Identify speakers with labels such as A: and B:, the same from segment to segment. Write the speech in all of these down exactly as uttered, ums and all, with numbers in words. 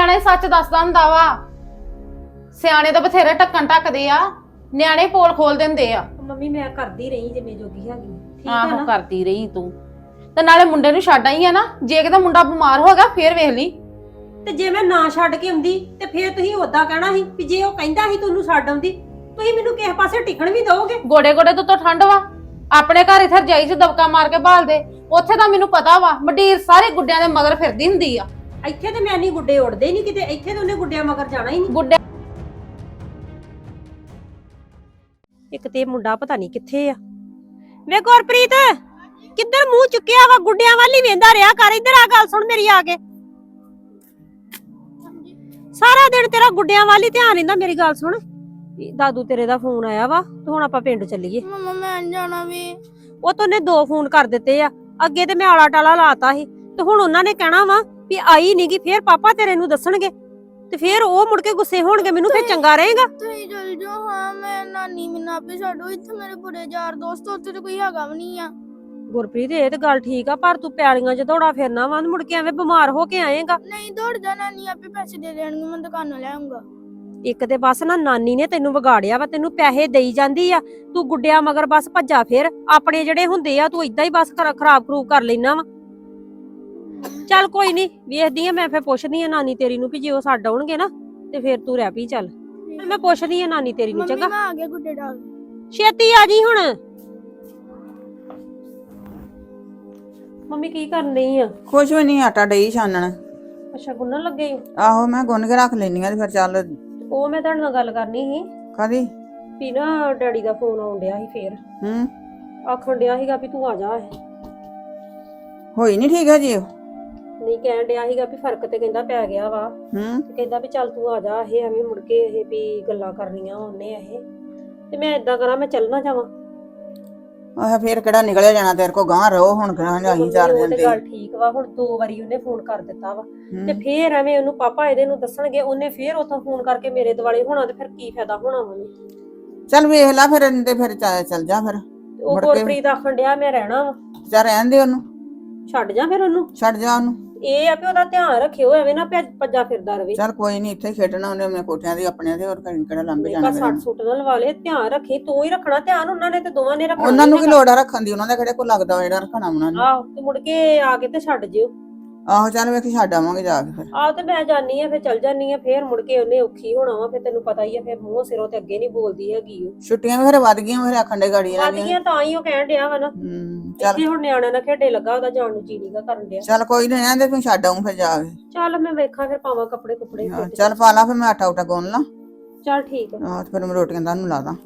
A: ਸਿਆਣੇ ਸੱਚ ਦੱਸਦਾ ਹੁੰਦਾ ਵਾ। ਸਿਆਣੇ ਤਾਂ ਬਥੇਰੇ ਢੱਕਣ ਢੱਕਦੇ ਆ, ਨਿਆਣੇ ਪੋਲ ਖੋਲ ਦਿੰਦੇ ਆ।
B: ਮੰਮੀ ਮੈਂ ਕਰਦੀ ਰਹੀ ਜਿੰਨੇ ਜੋਗੀ ਹੈਗੀ, ਠੀਕ ਹੈ
A: ਆਹੋ
B: ਨਾ।
A: ਕਰਦੀ ਰਹੀ ਤੂੰ ਤੇ ਨਾਲੇ ਮੁੰਡੇ ਨੂੰ ਛੱਡ ਆਈ ਆ ਨਾ। ਜੇ ਕਿਤੇ ਮੁੰਡਾ ਬਿਮਾਰ ਹੋ ਗਿਆ ਫੇਰ ਵੇਖ ਲਈ।
B: ਤੇ ਜੇ ਮੈਂ ਨਾ ਛੱਡ ਕੇ ਆਉਂਦੀ ਤੇ ਫੇਰ ਤੁਸੀਂ ਉਦਾਂ ਕਹਿਣਾ ਸੀ ਵੀ ਜੇ ਉਹ ਕਹਿੰਦਾ ਸੀ ਤੁਹਾਨੂੰ ਛੱਡ ਆਉਂਦੀ, ਤੁਸੀਂ ਮੈਨੂੰ ਕਿਸੇ ਪਾਸੇ ਟਿਕਣ ਵੀ ਦਿਓਗੇ।
A: ਗੋਡੇ ਗੋਡੇ ਤੋਂ ਤਾਂ ਠੰਡ ਵਾ। ਆਪਣੇ ਘਰ ਇਥੇ ਰਜਾਈ ਚ ਦਬਕਾ ਮਾਰ ਕੇ ਭਾਲ ਦੇ। ਉੱਥੇ ਤਾਂ ਮੈਨੂੰ ਪਤਾ ਵਾ ਮੰਡੀਰ ਸਾਰੇ ਗੁੱਡਿਆਂ ਦੇ ਮਗਰ ਫਿਰਦੀ ਹੁੰਦੀ ਆ।
B: ਇੱਥੇ ਤੇ ਮੈਂ ਨਹੀਂ ਗੁੱਡੇ ਉੜਦੇ ਹੀ ਨਹੀਂ ਕਿਤੇ, ਇੱਥੇ ਤੇ ਉਹਨੇ ਗੁੱਡਿਆਂ ਮਗਰ ਜਾਣਾ ਹੀ ਨਹੀਂ।
A: ਗੁੱਡੇ
B: ਇੱਕ ਤੇ ਮੁੰਡਾ ਪਤਾ ਨਹੀਂ ਕਿੱਥੇ ਆ। ਵੇ ਗੁਰਪ੍ਰੀਤ ਕਿੱਧਰ ਮੂੰਹ ਚੁੱਕਿਆ ਵਾ, ਗੁੱਡਿਆਂ ਵੱਲ ਹੀ ਵੇਂਦਾ ਰਿਹਾ ਕਰ। ਇੱਧਰ ਆ, ਗੱਲ ਸੁਣ ਮੇਰੀ ਆ ਕੇ। ਸਾਰਾ ਦਿਨ ਤੇਰਾ ਗੁੱਡਿਆਂ ਵੱਲ ਹੀ ਧਿਆਨ ਰਹਿੰਦਾ। ਮੇਰੀ ਗੱਲ ਸੁਣ, ਦਾਦੂ ਤੇਰੇ ਦਾ ਫੋਨ ਆਇਆ ਵਾ ਤੇ ਹੁਣ ਆਪਾਂ ਪਿੰਡ ਚੱਲੀਏ।
C: ਮਮਾ ਮੈਂ ਜਾਣਾ ਵੀ।
B: ਉਹ ਤਾਂ ਉਹਨੇ ਦੋ ਫੋਨ ਕਰ ਦਿੱਤੇ ਆ। ਅੱਗੇ ਤੇ ਮੈਂ ਆਲਾ ਟਾਲਾ ਲਾਤਾ ਸੀ ਤੇ ਹੁਣ ਉਹਨਾਂ ਨੇ ਕਹਿਣਾ ਵਾ ਵੀ ਆਈ ਨੀ ਗੀ, ਫੇਰ ਪਾਪਾ ਤੇਰੇ ਨੂੰ ਦੱਸਣਗੇ ਤੇ ਫੇਰ ਉਹ ਮੁੜ ਕੇ ਗੁੱਸੇ ਹੋਣਗੇ ਮੈਨੂੰ, ਫੇਰ ਚੰਗਾ ਰਹੇਗਾ।
C: ਤੁਸੀਂ ਚਲ ਜਾਓ। ਹਾਂ ਮੈਂ ਨਾਨੀ ਮੈਨੂੰ ਆਪੇ ਛੱਡੋ। ਇੱਥੇ ਮੇਰੇ ਬੁਰੇ ਯਾਰ ਦੋਸਤ, ਉੱਥੇ ਤੇ ਕੋਈ ਹੈਗਾ ਵੀ ਨਹੀਂ ਆ।
B: ਗੁਰਪ੍ਰੀਤ ਇਹ ਤੇ ਗੱਲ ਠੀਕ ਆ, ਪਰ ਤੂੰ ਪੈਲੀਆਂ 'ਚ ਦੌੜਾ ਫਿਰਨਾ ਵਾ, ਮੁੜ ਕੇ ਐਵੇਂ ਬਿਮਾਰ ਹੋ ਕੇ ਆਏਗਾ।
C: ਨਹੀਂ ਦੌੜ ਜਾ, ਨਾਨੀ ਆਪੇ ਪੈਸੇ ਦੇ ਦੇਣਗੇ, ਮੈਂ ਦੁਕਾਨੋਂ ਲੈ ਆਉਂਗਾ।
B: ਇੱਕ ਤੇ ਬਸ ਨਾ ਨਾਨੀ ਨੇ ਤੈਨੂੰ ਵਿਗਾੜਿਆ ਵਾ, ਤੈਨੂੰ ਪੈਸੇ ਦੇਈ ਜਾਂਦੀ ਆ, ਤੂੰ ਗੁੱਡਿਆਂ ਮਗਰ ਬਸ ਭੱਜਾ ਫੇਰ। ਆਪਣੇ ਜਿਹੜੇ ਹੁੰਦੇ ਆ ਤੂੰ ਇਦਾਂ ਹੀ ਬਸ ਖਰਾਬ ਖਰੂਬ ਕਰ ਲੈਣਾ ਵਾ। ਚੱਲ ਕੋਈ ਨਹੀਂ, ਵੇਖਦੀ ਆ ਮੈਂ, ਫੇਰ ਪੁੱਛਦੀ ਆ ਨਾਨੀ ਤੇਰੀ ਨੂੰ ਵੀ ਜੇ ਉਹ ਛੱਡ ਆਉਣਗੇ ਨਾ ਤੇ ਫੇਰ ਤੂੰ ਰਹਿ ਪਈ। ਚੱਲ ਮੈਂ ਪੁੱਛਦੀ ਆ ਨਾਨੀ ਤੇਰੀ ਨੂੰ। ਚੰਗਾ
C: ਮੈਂ ਆ ਗਿਆ ਗੁੱਡੇ ਡਾਲ।
B: ਛੇਤੀ ਆ ਜੀ ਹੁਣ। ਮੰਮੀ ਕੀ ਕਰਨ ਰਹੀ ਆ?
D: ਕੁਛ ਵੀ ਨਹੀਂ, ਆਟਾ ਡਈ ਛਾਨਣ।
B: ਅੱਛਾ ਗੁੰਨਣ ਲੱਗੇ ਈ?
D: ਆਹੋ ਮੈਂ ਗੁੰਨ ਕੇ ਰੱਖ ਲੈਣੀ ਆ ਤੇ ਫਿਰ ਚੱਲ।
B: ਉਹ ਮੈਂ ਤੁਹਾਡੇ ਨਾਲ ਗੱਲ ਕਰਨੀ ਸੀ
D: ਕਾਦੀ?
B: ਵੀ ਨਾ ਡੈਡੀ ਦਾ ਫੋਨ ਆਉਣ ਡਿਆ ਸੀ, ਫੇਰ
D: ਹੂੰ
B: ਆਖਣ ਡਿਆ ਸੀਗਾ ਵੀ ਤੂੰ ਆ ਜਾ।
D: ਹੋਈ ਨਹੀਂ ਠੀਕ ਹੈ ਜੀ? ਉਹ
B: ਨਹੀਂ ਕਹਿਣ ਡਿਆ ਸੀਗਾ ਵੀ ਫਰਕ ਤੇ ਕਹਿੰਦਾ ਪੈ ਗਿਆ ਵਾ।
D: ਹੂੰ
B: ਤੇ ਕਹਿੰਦਾ ਵੀ ਚੱਲ ਤੂੰ ਆ ਜਾ, ਇਹ ਐਵੇਂ ਮੁੜ ਕੇ ਇਹ ਵੀ ਗੱਲਾਂ ਕਰਨੀਆਂ ਉਹਨੇ ਇਹ। ਤੇ ਮੈਂ ਇਦਾਂ ਕਰਾਂ, ਮੈਂ ਚੱਲ ਨਾ ਜਾਵਾਂ?
D: ਆਹ ਫੇਰ ਕਿਹੜਾ ਨਿਕਲਿਆ ਜਾਣਾ ਤੇਰੇ ਕੋ, ਗਾਂ ਰਹੋ ਹੁਣ ਕਿਹੜਾ ਅਸੀਂ ਚਾਰ
B: ਉਹ
D: ਦਿਨ
B: ਤੇ
D: ਤੇ।
B: ਗੱਲ ਠੀਕ ਵਾ, ਹੁਣ ਦੋ ਵਾਰੀ ਉਹਨੇ ਫੋਨ ਕਰ ਦਿੱਤਾ ਵਾ
D: ਹੂੰ।
B: ਤੇ ਫੇਰ ਐਵੇਂ ਉਹਨੂੰ ਪਾਪਾ ਇਹਦੇ ਨੂੰ ਦੱਸਣਗੇ, ਉਹਨੇ ਫੇਰ ਉੱਥੋਂ ਫੋਨ ਕਰਕੇ ਮੇਰੇ ਦੁਆਲੇ ਹੋਣਾ ਤੇ ਫਿਰ ਕੀ ਫਾਇਦਾ ਹੋਣਾ ਉਹਨੇ।
D: ਚੱਲ ਵੇਖ ਲੈ ਫਿਰ ਤੇ ਫਿਰ ਚੱਲ ਚੱਲ ਜਾ ਫਿਰ।
B: ਉਹ
D: ਮੁੜ ਕੇ-
B: ਗੁਰਪ੍ਰੀਤ ਆਖਣ ਡਿਆ ਮੈਂ ਰਹਿਣਾ ਵਾ।
D: ਚੱਲ ਰਹਿਣ ਦੇ ਉਹਨੂੰ,
B: ਛੱਡ ਜਾ ਫਿਰ ਉਹਨੂੰ।
D: ਛੱਡ ਜਾ ਉਹਨੂੰ।
B: ਇਹ ਆ ਵੀ ਉਹਦਾ ਧਿਆਨ ਰੱਖਿਓ, ਐਵੇਂ ਨਾ ਭੱਜ- ਭੱਜਾ ਫਿਰਦਾ ਰਵੇ।
D: ਚੱਲ ਕੋਈ ਨਹੀਂ, ਇੱਥੇ ਖੇਡਣਾ ਉਹਨੇ ਆਪਣੇ ਕੋਠਿਆਂ ਦੇ ਆਪਣਿਆਂ ਦੇ, ਹੋਰ ਕਿਹੜਾ ਲੰਬੇ
B: ਪਰ
D: ਜਾਣਾ
B: ਸੱਟ
D: ਫਿਰ।
B: ਸੁੱਟ ਨਾ ਲਵਾ ਲੈ, ਧਿਆਨ ਰੱਖੀ। ਤੂੰ ਹੀ ਰੱਖਣਾ ਧਿਆਨ, ਉਹਨਾਂ ਨੇ ਤੇ ਦੋਵਾਂ ਨੇ ਰੱਖਣਾ।
D: ਉਹਨਾਂ ਨੂੰ ਕੀ ਲੋੜ ਆ ਰੱਖਣ ਦੀ, ਉਹਨਾਂ ਦਾ ਕਿਹੜੇ ਕੋ ਲੱਗਦਾ ਵਾ ਜਿਹੜਾ ਰੱਖਣਾ ਉਹਨਾਂ ਨੇ।
B: ਆਹੋ ਤੇ ਮੁੜ ਕੇ ਆ ਕੇ ਤੇ ਛੱਡ ਜਿਓ।
D: ਆਹੋ ਚੱਲ ਵੇਖੀ ਛੱਡ ਆਵਾਂਗੇ ਜਾ ਕੇ ਫਿਰ।
B: ਆਹ ਤੇ ਮੈਂ ਜਾਨੀ ਆ, ਫਿਰ ਚੱਲ ਜਾਨੀ ਆ, ਫੇਰ ਮੁੜ ਕੇ ਉਹਨੇ ਔਖੀ ਹੋਣਾ ਵਾ। ਫਿਰ ਤੈਨੂੰ ਪਤਾ ਹੀ ਆ, ਫਿਰ ਮੂੰਹ ਸਿਰੋਂ ਤੇ ਅੱਗੇ ਨਹੀਂ ਬੋਲਦੀ ਹੈਗੀ ਉਹ।
D: ਛੁੱਟੀਆਂ ਵੀ ਫਿਰ ਵੱਧ ਗਈਆਂ, ਫਿਰ ਆਖਣ ਦੇ ਗਾੜੀ
B: ਵੱਧ ਗਈਆਂ ਤਾਂ ਹੀ ਉਹ ਕਹਿਣ ਡਿਆ ਵਾ ਨਾ।
D: ਹੂੰ ਚੱਲ
B: ਇੱਥੇ ਹੁਣ ਨਿਆਣਿਆਂ ਨਾਲ ਖੇਡੇ ਲੱਗਾ, ਉਹਦਾ ਜਾਣ ਨੂੰ ਜੀ ਨੀਗਾ ਕਰਨ ਡਿਆ।
D: ਚੱਲ ਕੋਈ ਨਹੀਂ, ਰਹਿਣ ਦੇ ਤੂੰ, ਛੱਡ ਆਊਂ ਫਿਰ ਜਾ ਕੇ।
B: ਚੱਲ ਮੈਂ ਵੇਖਾਂ ਫਿਰ ਪਾਵਾਂ ਕੱਪੜੇ ਕੁਪੜੇ।
D: ਹਾਂ, ਚੱਲ ਪਾ ਲਾ ਫਿਰ, ਮੈਂ ਆਟਾ ਉਟਾ ਗੁੰਨ ਲਾਂ।
B: ਚੱਲ ਠੀਕ ਆ।
D: ਹਾਂ ਤੇ ਫਿਰ ਮੈਂ ਰੋਟੀਆਂ ਤੁਹਾਨੂੰ ਲਾ ਦਾਂ।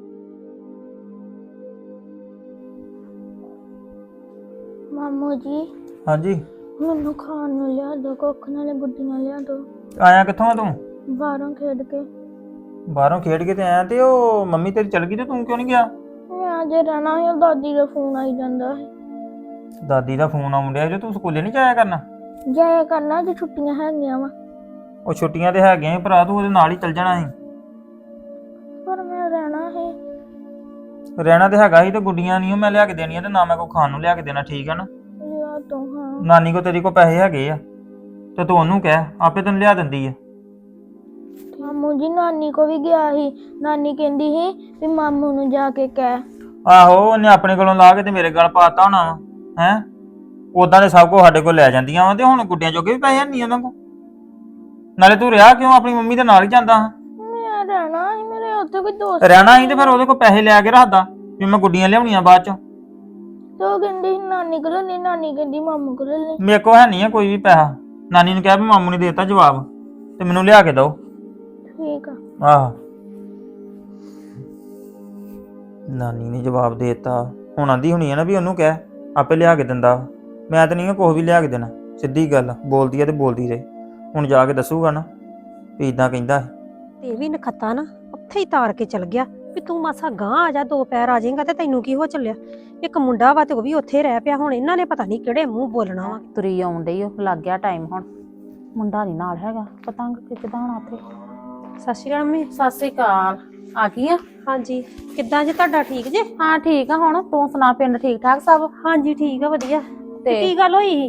C: ਮਾਮੂ ਜੀ
E: ਹਾਂਜੀ
C: ਮੈਨੂੰ ਖਾਣ ਨੂੰ ਲਿਆ ਦੋ, ਕੁੱਖ ਨਾਲੇ ਗੁੱਡੀਆਂ ਲਿਆ ਦੋ।
E: ਆਇਆ ਕਿੱਥੋਂ ਆ ਤੂੰ?
C: ਬਾਹਰੋਂ ਖੇਡ ਕੇ।
E: ਬਾਹਰੋਂ ਖੇਡ ਕੇ ਤੇ ਆਇਆ, ਤੇ ਉਹ ਮੰਮੀ ਤੇਰੀ ਚਲ ਗਈ ਤੇ ਤੂੰ ਕਿਉਂ ਨਹੀਂ ਗਿਆ?
C: ਮੈਂ ਅਜੇ ਰਹਿਣਾ ਹੈ, ਦਾਦੀ ਦਾ ਫੋਨ ਆਈ ਜਾਂਦਾ ਹੈ।
E: ਦਾਦੀ ਦਾ ਫੋਨ ਆਉਣ ਡਿਆ, ਜੋ ਤੂੰ ਸਕੂਲੇ ਨਹੀਂ ਜਾਇਆ ਕਰਨਾ?
C: ਜਾਇਆ ਕਰਨਾ ਜੇ ਛੁੱਟੀਆਂ ਹੈਗੀਆਂ ਵਾ।
E: ਉਹ ਛੁੱਟੀਆਂ ਤੇ ਹੈਗੀਆਂ ਸੀ ਭਰਾ, ਤੂੰ ਉਹਦੇ ਨਾਲ ਹੀ ਚੱਲ ਜਾਣਾ ਸੀ।
C: ਪਰ ਮੈਂ ਰਹਿਣਾ ਹੈ।
E: ਰਹਿਣਾ ਤੇ ਹੈਗਾ ਸੀ, ਤੇ ਗੁੱਡੀਆਂ ਨਹੀਂ ਮੈਂ ਲਿਆ ਕੇ ਦੇਣੀਆਂ, ਤੇ ਨਾ ਮੈਂ ਕੋਈ ਖਾਣ ਨੂੰ ਲਿਆ ਕੇ ਦੇਣਾ, ਠੀਕ ਆ ਨਾ?
C: ਲਿਆ ਦੋ। ਹਾਂ
E: ਨਾਨੀ ਕੋ ਤੇਰੀ ਕੋ ਪੈਸੇ ਹੈਗੇ ਆ ਤੇ ਤੂੰ ਉਹਨੂੰ ਕਹਿ, ਆਪੇ ਤੈਨੂੰ ਲਿਆ ਦਿੰਦੀ ਆ।
C: ਮਾਮੂ ਜੀ ਨਾਨੀ ਕੋ ਵੀ ਗਿਆ ਸੀ, ਨਾਨੀ ਕਹਿੰਦੀ ਸੀ ਵੀ ਮਾਮੂ ਨੂੰ ਜਾ ਕੇ ਕਹਿ।
E: ਆਹੋ ਉਹਨੇ ਆਪਣੇ ਕੋਲੋਂ ਲਾ ਕੇ ਤੇ ਮੇਰੇ ਗਲ ਪਾਤਾ ਹੋਣਾ ਵਾ। ਹੈ ਉਦਾਂ ਦੇ ਸਭ ਕੁਝ ਸਾਡੇ ਕੋਲ ਲੈ ਜਾਂਦੀਆਂ ਵਾ, ਤੇ ਹੁਣ ਗੁੱਡੀਆਂ ਜੋਗੇ ਵੀ ਪੈਸੇ ਨਹੀਂ ਉਹਨਾਂ ਕੋਲ। ਨਾਲੇ ਤੂੰ ਰਿਹਾ ਕਿਉਂ? ਆਪਣੀ ਮੰਮੀ ਦੇ ਨਾਲ ਹੀ ਜਾਂਦਾ ਹਾਂ।
C: ਮੈਂ ਰਹਿਣਾ ਸੀ, ਮੇਰੇ ਉੱਥੇ ਕੋਈ ਦੋਸਤ
E: ਰਹਿਣਾ ਸੀ ਤੇ ਫਿਰ ਉਹਦੇ ਕੋਲ ਪੈਸੇ ਲੈ ਕੇ ਰੱਖਦਾ ਵੀ ਮੈਂ ਗੁੱਡੀਆਂ ਲਿਆਉਣੀਆਂ ਬਾਅਦ ਚੋਂ।
C: ਤੇ ਉਹ ਕਹਿੰਦੀ ਸੀ ਨਾਨੀ ਕੋਲ ਨਹੀਂ, ਨਾਨੀ ਕਹਿੰਦੀ ਮਾਮੂ ਕੋਲ ਨਹੀਂ।
E: ਮੇਰੇ ਕੋਲ ਹੈ ਨਹੀਂ ਆ ਕੋਈ ਵੀ ਪੈਸਾ। ਨਾਨੀ ਨੂੰ ਕਿਹਾ ਵੀ ਮਾਮੂ ਨੇ ਦੇਤਾ ਜਵਾਬ ਤੇ ਮੈਨੂੰ ਲਿਆ ਕੇ ਦਿਓ।
C: ਠੀਕ ਆ।
E: ਆਹ ਨਾਨੀ ਨੇ ਜਵਾਬ ਦੇਤਾ, ਹੁਣ ਆਂਦੀ ਹੁਣੀ ਆ ਨਾ ਵੀ ਉਹਨੂੰ ਕਹਿ ਆਪੇ ਲਿਆ ਕੇ ਦਿੰਦਾ। ਮੈਂ ਤਾਂ ਨਹੀਂ ਕੁਛ ਵੀ ਲਿਆ ਕੇ ਦੇਣਾ, ਸਿੱਧੀ ਗੱਲ ਬੋਲਦੀ ਆ ਤੇ ਬੋਲਦੀ ਰਹੇ। ਹੁਣ ਜਾ ਕੇ ਦੱਸੂਗਾ ਨਾ ਵੀ ਇਦਾਂ ਕਹਿੰਦਾ
B: ਤੇ ਇਹ ਵੀ ਨਖੱਤਾ ਨਾ ਉੱਥੇ ਹੀ ਤਾਰ ਕੇ ਚਲ ਗਿਆ ਵੀ ਤੂੰ ਮਾਸਾ ਗਾਂ ਆ ਜਾ, ਦੋ ਪੈਰ ਆ ਜਾਏਗਾ ਤੇ ਤੈਨੂੰ ਕੀ ਹੋ ਚੱਲਿਆ। ਇੱਕ ਮੁੰਡਾ ਵਾ ਤੇ ਉਹ ਵੀ ਉੱਥੇ ਰਹਿ ਪਿਆ। ਹੁਣ ਇਹਨਾਂ ਨੇ ਪਤਾ ਨਹੀਂ ਕਿਹੜੇ ਮੂੰਹ ਬੋਲਣਾ ਵਾ।
A: ਤੁਰੀ ਆਉਣ ਡਈ ਉਹ, ਲੱਗ ਗਿਆ ਟਾਈਮ। ਹੁਣ ਮੁੰਡਾ ਨਹੀਂ ਨਾਲ ਹੈਗਾ, ਪਤੰਗ ਖਿੱਚਦਾ ਹੋਣਾ ਉੱਥੇ।
B: ਸਤਿ ਸ਼੍ਰੀ ਅਕਾਲ ਮੰਮੀ।
A: ਸਤਿ ਸ੍ਰੀ ਅਕਾਲ। ਆ ਗਈ ਆ?
B: ਹਾਂਜੀ ਕਿੱਦਾਂ ਜੇ? ਤੁਹਾਡਾ ਠੀਕ ਜੇ?
A: ਹਾਂ ਠੀਕ ਆ। ਹੁਣ ਤੂੰ ਸੁਣਾ, ਪਿੰਡ ਠੀਕ ਠਾਕ ਸਭ?
B: ਹਾਂਜੀ ਠੀਕ ਆ, ਵਧੀਆ।
A: ਤੇ
B: ਕੀ ਗੱਲ ਹੋਈ ਸੀ?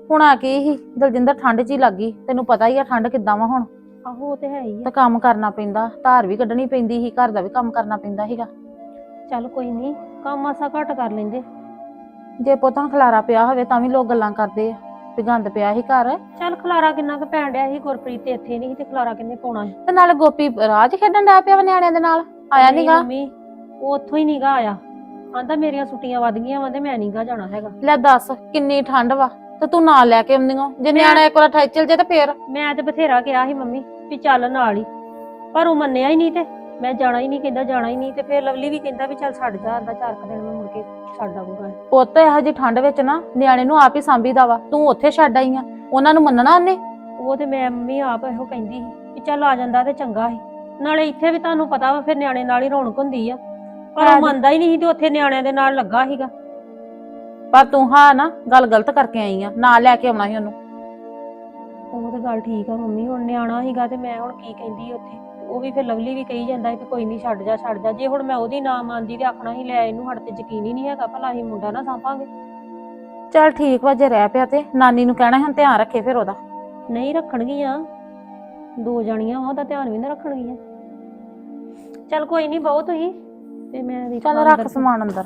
A: ਹੁਣ ਆ ਕੀ ਹੀ ਦਲਜਿੰਦਰ ਠੰਡ 'ਚ ਹੀ ਲੱਗੀ, ਤੈਨੂੰ ਪਤਾ ਹੀ ਆ ਠੰਡ ਕਿੱਦਾਂ ਵਾ ਹੁਣ।
B: ਆਹੋ ਉਹ ਤੇ ਹੈ ਹੀ
A: ਤੇ
B: ਆ।
A: ਕੰਮ ਕਰਨਾ ਪੈਂਦਾ, ਧਾਰ ਵੀ ਕੱਢਣੀ ਪੈਂਦੀ ਸੀ, ਘਰ ਦਾ ਵੀ ਕੰਮ ਕਰਨਾ ਪੈਂਦਾ ਸੀਗਾ।
B: ਚੱਲ ਕੋਈ ਨਹੀਂ, ਕੰਮ ਆਸਾ ਘੱਟ ਕਰ ਲੈਂਦੇ।
A: ਜੇ ਪੁੱਤਾਂ ਖਲਾਰਾ ਪਿਆ ਹੋਵੇ ਤਾਂ ਵੀ ਲੋਕ ਗੱਲਾਂ ਕਰਦੇ ਆ ਵੀ ਗੰਦ ਪਿਆ ਸੀ ਘਰ।
B: ਚੱਲ ਖਲਾਰਾ ਕਿੰਨਾ ਕੁ ਪੈਣ ਡਿਆ ਸੀ, ਗੁਰਪ੍ਰੀਤ ਤੇ ਇੱਥੇ ਨਹੀਂ ਸੀ ਤੇ ਖਲਾਰਾ ਕਿੰਨੇ ਪਾਉਣਾ ਸੀ।
A: ਤੇ ਨਾਲੇ ਗੋਪੀ ਰਾਜ ਖੇਡਣ ਡਿਆ ਪਿਆ ਵਾ ਨਿਆਣਿਆਂ ਦੇ ਨਾਲ, ਆਇਆ
B: ਨਹੀਂ
A: ਨੀਗਾ।
B: ਮੰਮੀ ਉਹ ਉੱਥੋਂ ਹੀ ਨੀਗਾ ਆਇਆ, ਆਂਦਾ ਮੇਰੀਆਂ ਛੁੱਟੀਆਂ ਵੱਧ ਗਈਆਂ ਵਾ ਤੇ ਮੈਂ ਨੀਗਾ ਜਾਣਾ ਹੈਗਾ।
A: ਲੈ ਦੱਸ ਕਿੰਨੀ ਠੰਡ ਵਾ ਤੇ ਤੂੰ ਨਾਲ ਲੈ ਕੇ ਆਉਂਦੀ ਓ, ਜੇ ਨਿਆਣਾ ਇੱਕ ਵਾਰ ਠਾਈ ਚਲ ਜੇ ਤੇ ਫੇਰ।
B: ਮੈਂ ਤੇ ਬਥੇਰਾ ਕਿਹਾ ਸੀ ਮੰਮੀ ਵੀ ਚੱਲ ਨਾਲ ਹੀ, ਪਰ ਉਹ ਮੰਨਿਆ ਹੀ ਨਹੀਂ ਤੇ ਮੈਂ ਜਾਣਾ ਹੀ ਨਹੀਂ, ਕਹਿੰਦਾ ਜਾਣਾ ਹੀ ਨਹੀਂ। ਤੇ ਫਿਰ ਲਵਲੀ ਵੀ ਕਹਿੰਦਾ ਵੀ ਚੱਲ ਛੱਡ ਜਾ, ਆਂਦਾ ਚਾਰ ਕੁ ਦਿਨ ਮੈਂ ਮੁੜ ਕੇ ਛੱਡ ਆਊਗਾ।
A: ਪੁੱਤ ਇਹੋ ਜਿਹੀ ਠੰਡ ਵਿੱਚ ਨਾ ਨਿਆਣੇ ਨੂੰ ਆਪ ਹੀ ਸਾਂਭੀਦਾ ਵਾ, ਤੂੰ ਉੱਥੇ ਛੱਡ ਆਈ ਆ, ਉਹਨਾਂ ਨੂੰ ਮੰਨਣਾ ਉਹਨੇ।
B: ਉਹ ਤੇ ਮੈਂ ਮੰਮੀ ਆਪ ਇਹੋ ਕਹਿੰਦੀ ਸੀ ਕਿ ਚੱਲ ਆ ਜਾਂਦਾ ਤੇ ਚੰਗਾ ਸੀ, ਨਾਲੇ ਇੱਥੇ ਵੀ ਤੁਹਾਨੂੰ ਪਤਾ ਵਾ ਫਿਰ ਨਿਆਣੇ ਨਾਲ ਹੀ ਰੌਣਕ ਹੁੰਦੀ ਆ, ਪਰ ਉਹ ਮੰਨਦਾ ਹੀ ਨਹੀਂ ਸੀ ਤੇ ਉੱਥੇ ਨਿਆਣਿਆਂ ਦੇ ਨਾਲ ਲੱਗਾ ਸੀਗਾ।
A: ਪਰ ਤੂੰ ਹਾਂ ਨਾ ਗੱਲ ਗਲਤ ਕਰਕੇ ਆਈ ਆ, ਨਾਲ ਲੈ ਕੇ ਆਉਣਾ ਸੀ ਉਹਨੂੰ।
B: ਉਹ ਤੇ ਗੱਲ ਠੀਕ ਆ ਮੰਮੀ, ਹੁਣ ਨਿਆਣਾ ਸੀਗਾ ਤੇ ਮੈਂ ਹੁਣ ਕੀ ਕਹਿੰਦੀ ਉੱਥੇ। ਉਹ ਵੀ ਫਿਰ ਲਵਲੀ ਵੀ ਕਹੀ ਜਾਂਦਾ ਵੀ ਕੋਈ ਨਹੀਂ ਛੱਡ ਜਾ ਛੱਡ ਜਾ। ਜੇ ਹੁਣ ਮੈਂ ਉਹਦੀ ਨਾ ਮੰਨਦੀ ਤੇ ਆਖਣਾ ਸੀ ਲੈ ਇਹਨੂੰ, ਸਾਡੇ ਤੇ ਯਕੀਨ ਹੀ ਨਹੀਂ ਹੈਗਾ, ਭਲਾ ਅਸੀਂ ਮੁੰਡਾ ਨਾ ਸਾਂਭਾਂਗੇ।
A: ਚੱਲ ਠੀਕ ਵਾ, ਜੇ ਰਹਿ ਪਿਆ ਤੇ ਨਾਨੀ ਨੂੰ ਕਹਿਣਾ ਹੁਣ ਧਿਆਨ ਰੱਖੇ ਫਿਰ ਉਹਦਾ।
B: ਨਹੀਂ ਰੱਖਣਗੀਆਂ, ਦੋ ਜਾਣੀਆਂ ਵਾ, ਉਹਦਾ ਧਿਆਨ ਵੀ ਨਾ ਰੱਖਣਗੀਆਂ। ਚੱਲ ਕੋਈ ਨਹੀਂ ਬਹੁਤ ਤੁਸੀਂ ਤੇ ਮੈਂ ਵੀ
A: ਚੱਲ ਰੱਖ ਸਮਾਨ ਅੰਦਰ।